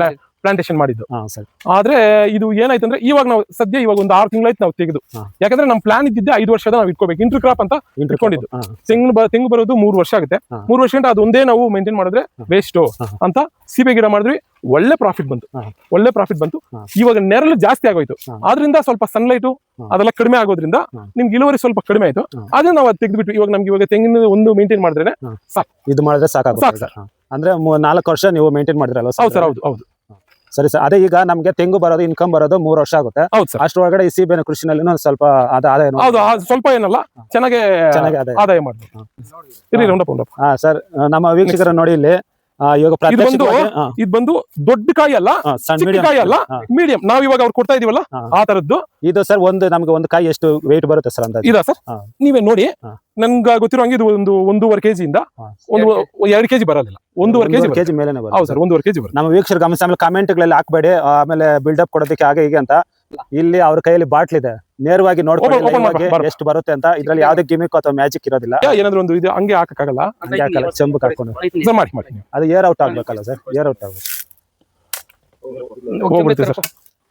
[SPEAKER 2] ಪ್ಲಾಂಟೇಶನ್ ಮಾಡಿದ್ದು.
[SPEAKER 1] ಹಾ ಸರ್.
[SPEAKER 2] ಆದ್ರೆ ಇದು ಏನಾಯ್ತು ಅಂದ್ರೆ ಇವಾಗ ನಾವು ಸದ್ಯ ಇವಾಗ ಒಂದು 6 ತಿಂಗಳಾಯ್ತು ನಾವು ತೆಗೆದು.
[SPEAKER 1] ಹಾ.
[SPEAKER 2] ಯಾಕಂದ್ರೆ ನಮ್ ಪ್ಲಾನ್ ಇದ್ದಿದ್ದೆ 5 ವರ್ಷದ ನಾವು ಇಟ್ಕೋಬೇಕು ಇಂಟರ್ ಕ್ರಾಪ್ ಅಂತ ಇಟ್ಕೊಂಡಿದ್ದು.
[SPEAKER 1] ಹಾ.
[SPEAKER 2] ತೆಂಗು ಬರೋದು 3 ವರ್ಷ ಆಗುತ್ತೆ.
[SPEAKER 1] ಹಾ.
[SPEAKER 2] 3 ವರ್ಷ ಗಂಟ ಅದೊಂದೇ ನಾವು ಮೇಂಟೈನ್ ಮಾಡಿದ್ರೆ ವೇಸ್ಟ್
[SPEAKER 1] ಹಾ.
[SPEAKER 2] ಅಂತ ಸೀಬೆ ಗಿಡ ಮಾಡಿದ್ವಿ. ಒಳ್ಳೆ ಪ್ರಾಫಿಟ್ ಬಂತು.
[SPEAKER 1] ಹಾ.
[SPEAKER 2] ಒಳ್ಳೆ ಪ್ರಾಫಿಟ್ ಬಂತು.
[SPEAKER 1] ಹಾ.
[SPEAKER 2] ಇವಾಗ ನೆರಳು ಜಾಸ್ತಿ ಆಗೋಯ್ತು.
[SPEAKER 1] ಹಾ.
[SPEAKER 2] ಆದ್ರಿಂದ ಸ್ವಲ್ಪ ಸನ್ಲೈಟು
[SPEAKER 1] ಹಾ.
[SPEAKER 2] ಅದೆಲ್ಲ ಕಡಿಮೆ ಆಗೋದ್ರಿಂದ
[SPEAKER 1] ಹಾ.
[SPEAKER 2] ನಿಮ್ಗೆ ಇಳುವರಿ ಸ್ವಲ್ಪ ಕಡಿಮೆ ಆಯ್ತು.
[SPEAKER 1] ಹಾ.
[SPEAKER 2] ಆದ್ರೆ ನಾವು ಅದು ತೆಗೆದ್ಬಿಟ್ಟು ಇವಾಗ ನಮ್ಗೆ ಇವಾಗ ತೆಂಗಿನ ಒಂದು ಮೇಂಟೈನ್ ಮಾಡಿದ್ರೆ
[SPEAKER 1] ಹಾ.
[SPEAKER 2] ಸಾಕು.
[SPEAKER 1] ಇದು ಮಾಡಿದ್ರೆ ಸಾಕಾಗುತ್ತೆ
[SPEAKER 2] ಸಾಕು
[SPEAKER 1] ಸರ್. ಅಂದ್ರೆ 4 ವರ್ಷ ನೀವು ಮೇಂಟೈನ್ ಮಾಡಿದ್ರಲ್ವ
[SPEAKER 2] ಹೌದು ಸರ್. ಹೌದು ಹೌದು
[SPEAKER 1] ಸರಿ ಸರ್. ಅದೇ ಈಗ ನಮ್ಗೆ ತೆಂಗು ಬರೋದು ಇನ್ಕಮ್ ಬರೋದು 3 ವರ್ಷ ಆಗುತ್ತೆ.
[SPEAKER 2] ಹೌದು ಸರ್.
[SPEAKER 1] ಅಷ್ಟರೊಳಗಡೆ ಈ ಸೀಬೆನ ಕೃಷಿನಲ್ಲಿ ಸ್ವಲ್ಪ ಆದಾಯ
[SPEAKER 2] ಹೌದು ಸ್ವಲ್ಪ ಏನಲ್ಲ ಚೆನ್ನಾಗಿ
[SPEAKER 1] ಚೆನ್ನಾಗಿ
[SPEAKER 2] ಆದಾಯ ಮಾಡ್ಬೋದು. ಇರಿ ರೌಂಡಪ್.
[SPEAKER 1] ಹಾ ಸರ್. ನಮ್ಮ ವೀಕ್ಷಕರ ನೋಡಿ ಇಲ್ಲಿ ಇವಾಗ
[SPEAKER 2] ಇದು ಬಂದು ದೊಡ್ಡ ಕಾಯಿ ಅಲ್ಲ, ಚಿಕ್ಕ ಕಾಯಿ ಅಲ್ಲ, ಮೀಡಿಯಂ. ನಾವ್ ಇವಾಗ ಅವ್ರು ಕೊಡ್ತಾ ಇದೀವಲ್ಲ ಆ ತರದ್ದು
[SPEAKER 1] ಇದು ಸರ್. ನಮ್ಗೆ ಒಂದು ಕಾಯಿ ಎಷ್ಟು ವೆಯ್ಟ್ ಬರುತ್ತೆ ಸರ್ ಅಂತ
[SPEAKER 2] ಇದಾ ಸರ್? ನೀವೇ ನೋಡಿ. ನನ್ಗೆ ಗೊತ್ತಿರೋ ಹಂಗೆ ಇದು 1.5 kg ಒಂದು 2 kg ಬರೋದಿಲ್ಲ. 1.5 kg
[SPEAKER 1] ಮೇಲೆ
[SPEAKER 2] ಹೌದು ಸರ್. 1.5 kg ಬರುತ್ತೆ.
[SPEAKER 1] ನಮ್ಮ ವೀಕ್ಷಕರು ಗಮನಿಸಿ. ಆಮೇಲೆ ಕಾಮೆಂಟ್ಗಳಲ್ಲಿ ಹಾಕ್ಬೇಡಿ, ಆಮೇಲೆ ಬಿಲ್ಡಪ್ ಕೊಡೋದಕ್ಕೆ ಹಾಗೆ ಹೀಗೆ ಅಂತ. ಇಲ್ಲಿ ಅವ್ರ ಕೈಯಲ್ಲಿ ಬಾಟ್ಲ್ ಇದೆ, ನೇರವಾಗಿ ನೋಡ್ಕೊಂಡು ಎಷ್ಟು ಬರುತ್ತೆ ಅಂತ. ಇದ್ರಲ್ಲಿ ಯಾವ್ದೇ ಗಿಮಿಕ್ ಅಥವಾ ಮ್ಯಾಜಿಕ್ ಇರೋದಿಲ್ಲ.
[SPEAKER 2] ಏನಾದ್ರು ಒಂದು ಇದು ಹಂಗೆ ಹಾಕಕ್ಕಾಗಲ್ಲ.
[SPEAKER 1] ಚೆಂಬು ಹಾಕೊಂಡು
[SPEAKER 2] ಮಾಡಿ
[SPEAKER 1] ಅದು ಏರ್ ಔಟ್ ಆಗ್ಬೇಕಲ್ಲ ಸರ್? ಏರ್ ಔಟ್ ಆಗ್ಬೇಕು.
[SPEAKER 2] ಹೋಗ್ಬಿಡುತ್ತೆ ಸರ್.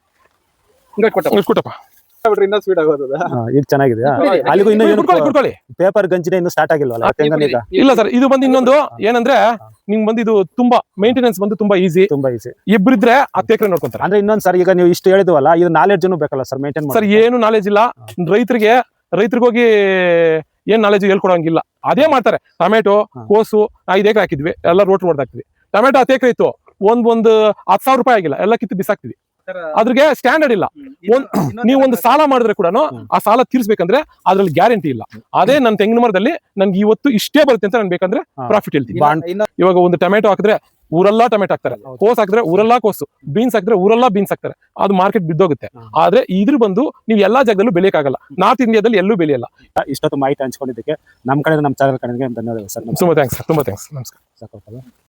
[SPEAKER 2] ಕೊಟ್ಟಪ್ಪ
[SPEAKER 3] ಇನ್ನೂ ಸ್ವೀಟ್ ಆಗೋದು.
[SPEAKER 1] ಈಗ ಚೆನ್ನಾಗಿದೆಯಾ? ಅಲ್ಲಿಗೂ ಇನ್ನೂ
[SPEAKER 2] ಕುಡ್ಕೊಳ್ಳಿ.
[SPEAKER 1] ಪೇಪರ್ ಗಂಜಿನ ಇನ್ನೂ ಸ್ಟಾರ್ಟ್ ಆಗಿಲ್ವಲ್ಲ ತೆಂಗನೀಗ?
[SPEAKER 2] ಇಲ್ಲ ಸರ್. ಇದು ಬಂದು ಇನ್ನೊಂದು ಏನಂದ್ರೆ ನಿಮ್ಗೆ ಬಂದು ಇದು ತುಂಬಾ ಮೇಂಟೆನೆನ್ಸ್ ಬಂದು ತುಂಬಾ ಈಸಿ. ಇಬ್ಬರಿದ್ರೆ 10 ಎಕರೆ ನೋಡ್ಕೊಂತಾರೆ.
[SPEAKER 1] ಅಂದ್ರೆ ಇನ್ನೊಂದ್ ಸರ್, ಈಗ ನೀವು ಇಷ್ಟು ಹೇಳಿದ್ವಲ್ಲ, ಇದು ನಾಲೆಡ್ಜ್ ಬೇಕಲ್ಲ ಸರ್ ಮೇಂಟೈನ್
[SPEAKER 2] ಸರ್? ಏನು ನಾಲೆಜ್ ಇಲ್ಲ ರೈತರಿಗೆ ಹೋಗಿ ಏನ್ ನಾಲೆಜ್ ಹೇಳ್ಕೊಡಂಗಿಲ್ಲ. ಅದೇ ಮಾಡ್ತಾರೆ. ಟೊಮೆಟೊ, ಕೋಸು 5 ಎಕರೆ ಹಾಕಿದ್ವಿ, ಎಲ್ಲ ರೋಟ್ ಹೊಡೆದಾಕ್ತಿವಿ. ಟೊಮೆಟೊ 10 ಎಕರೆ ಇತ್ತು, ಒಂದು 10,000 ರೂಪಾಯಿ ಆಗಿಲ್ಲ, ಎಲ್ಲ ಕಿತ್ತು ಬಿಸಾಕ್ತಿವಿ. ಅದ್ರಿಗೆ ಸ್ಟ್ಯಾಂಡರ್ಡ್ ಇಲ್ಲ. ನೀವು ಒಂದು ಸಾಲ ಮಾಡಿದ್ರೆ ಕೂಡ ಆ ಸಾಲ ತೀರ್ಸ್ಬೇಕಂದ್ರೆ ಅದ್ರಲ್ಲಿ ಗ್ಯಾರಂಟಿ ಇಲ್ಲ. ಅದೇ ನನ್ನ ತೆಂಗಿನ ಮರದಲ್ಲಿ ನನ್ಗೆ ಇವತ್ತು ಇಷ್ಟೇ ಬರುತ್ತೆ ಅಂತ ನಾನು ಬೇಕಂದ್ರೆ ಪ್ರಾಫಿಟ್ ಹೇಳ್ತೀನಿ. ಇವಾಗ ಒಂದು ಟೊಮೆಟೊ ಹಾಕಿದ್ರೆ ಊರೆಲ್ಲ ಟೊಮೆಟೊ ಹಾಕ್ತಾರೆ, ಕೋಸ್ ಹಾಕಿದ್ರೆ ಊರೆಲ್ಲ ಕೋಸು, ಬೀನ್ಸ್ ಹಾಕಿದ್ರೆ ಊರೆಲ್ಲ ಬೀನ್ಸ್ ಹಾಕ್ತಾರೆ. ಅದು ಮಾರ್ಕೆಟ್ ಬಿದ್ದೋಗುತ್ತೆ. ಆದ್ರೆ ಇದ್ರ ಬಂದು ನೀವು ಎಲ್ಲಾ ಜಾಗದಲ್ಲೂ ಬೆಳೆಯಕ್ಕಾಗಲ್ಲ. ನಾರ್ತ್ ಇಂಡಿಯಾದಲ್ಲಿ ಎಲ್ಲೂ ಬೆಳೆಯಲ್ಲ.
[SPEAKER 1] ಇಷ್ಟೊತ್ತು ಮಾಹಿತಿ ಹಂಚ್ಕೊಂಡಿದ್ದಕ್ಕೆ ನಮ್ಮ ಕಡೆ, ನಮ್ಮ ಚಾನಲ್ ಕಡೆಗೆ ಧನ್ಯವಾದ ಸರ್.
[SPEAKER 2] ತುಂಬಾ ಥ್ಯಾಂಕ್ಸ್. ತುಂಬಾ ಥ್ಯಾಂಕ್ಸ್. ನಮಸ್ಕಾರ.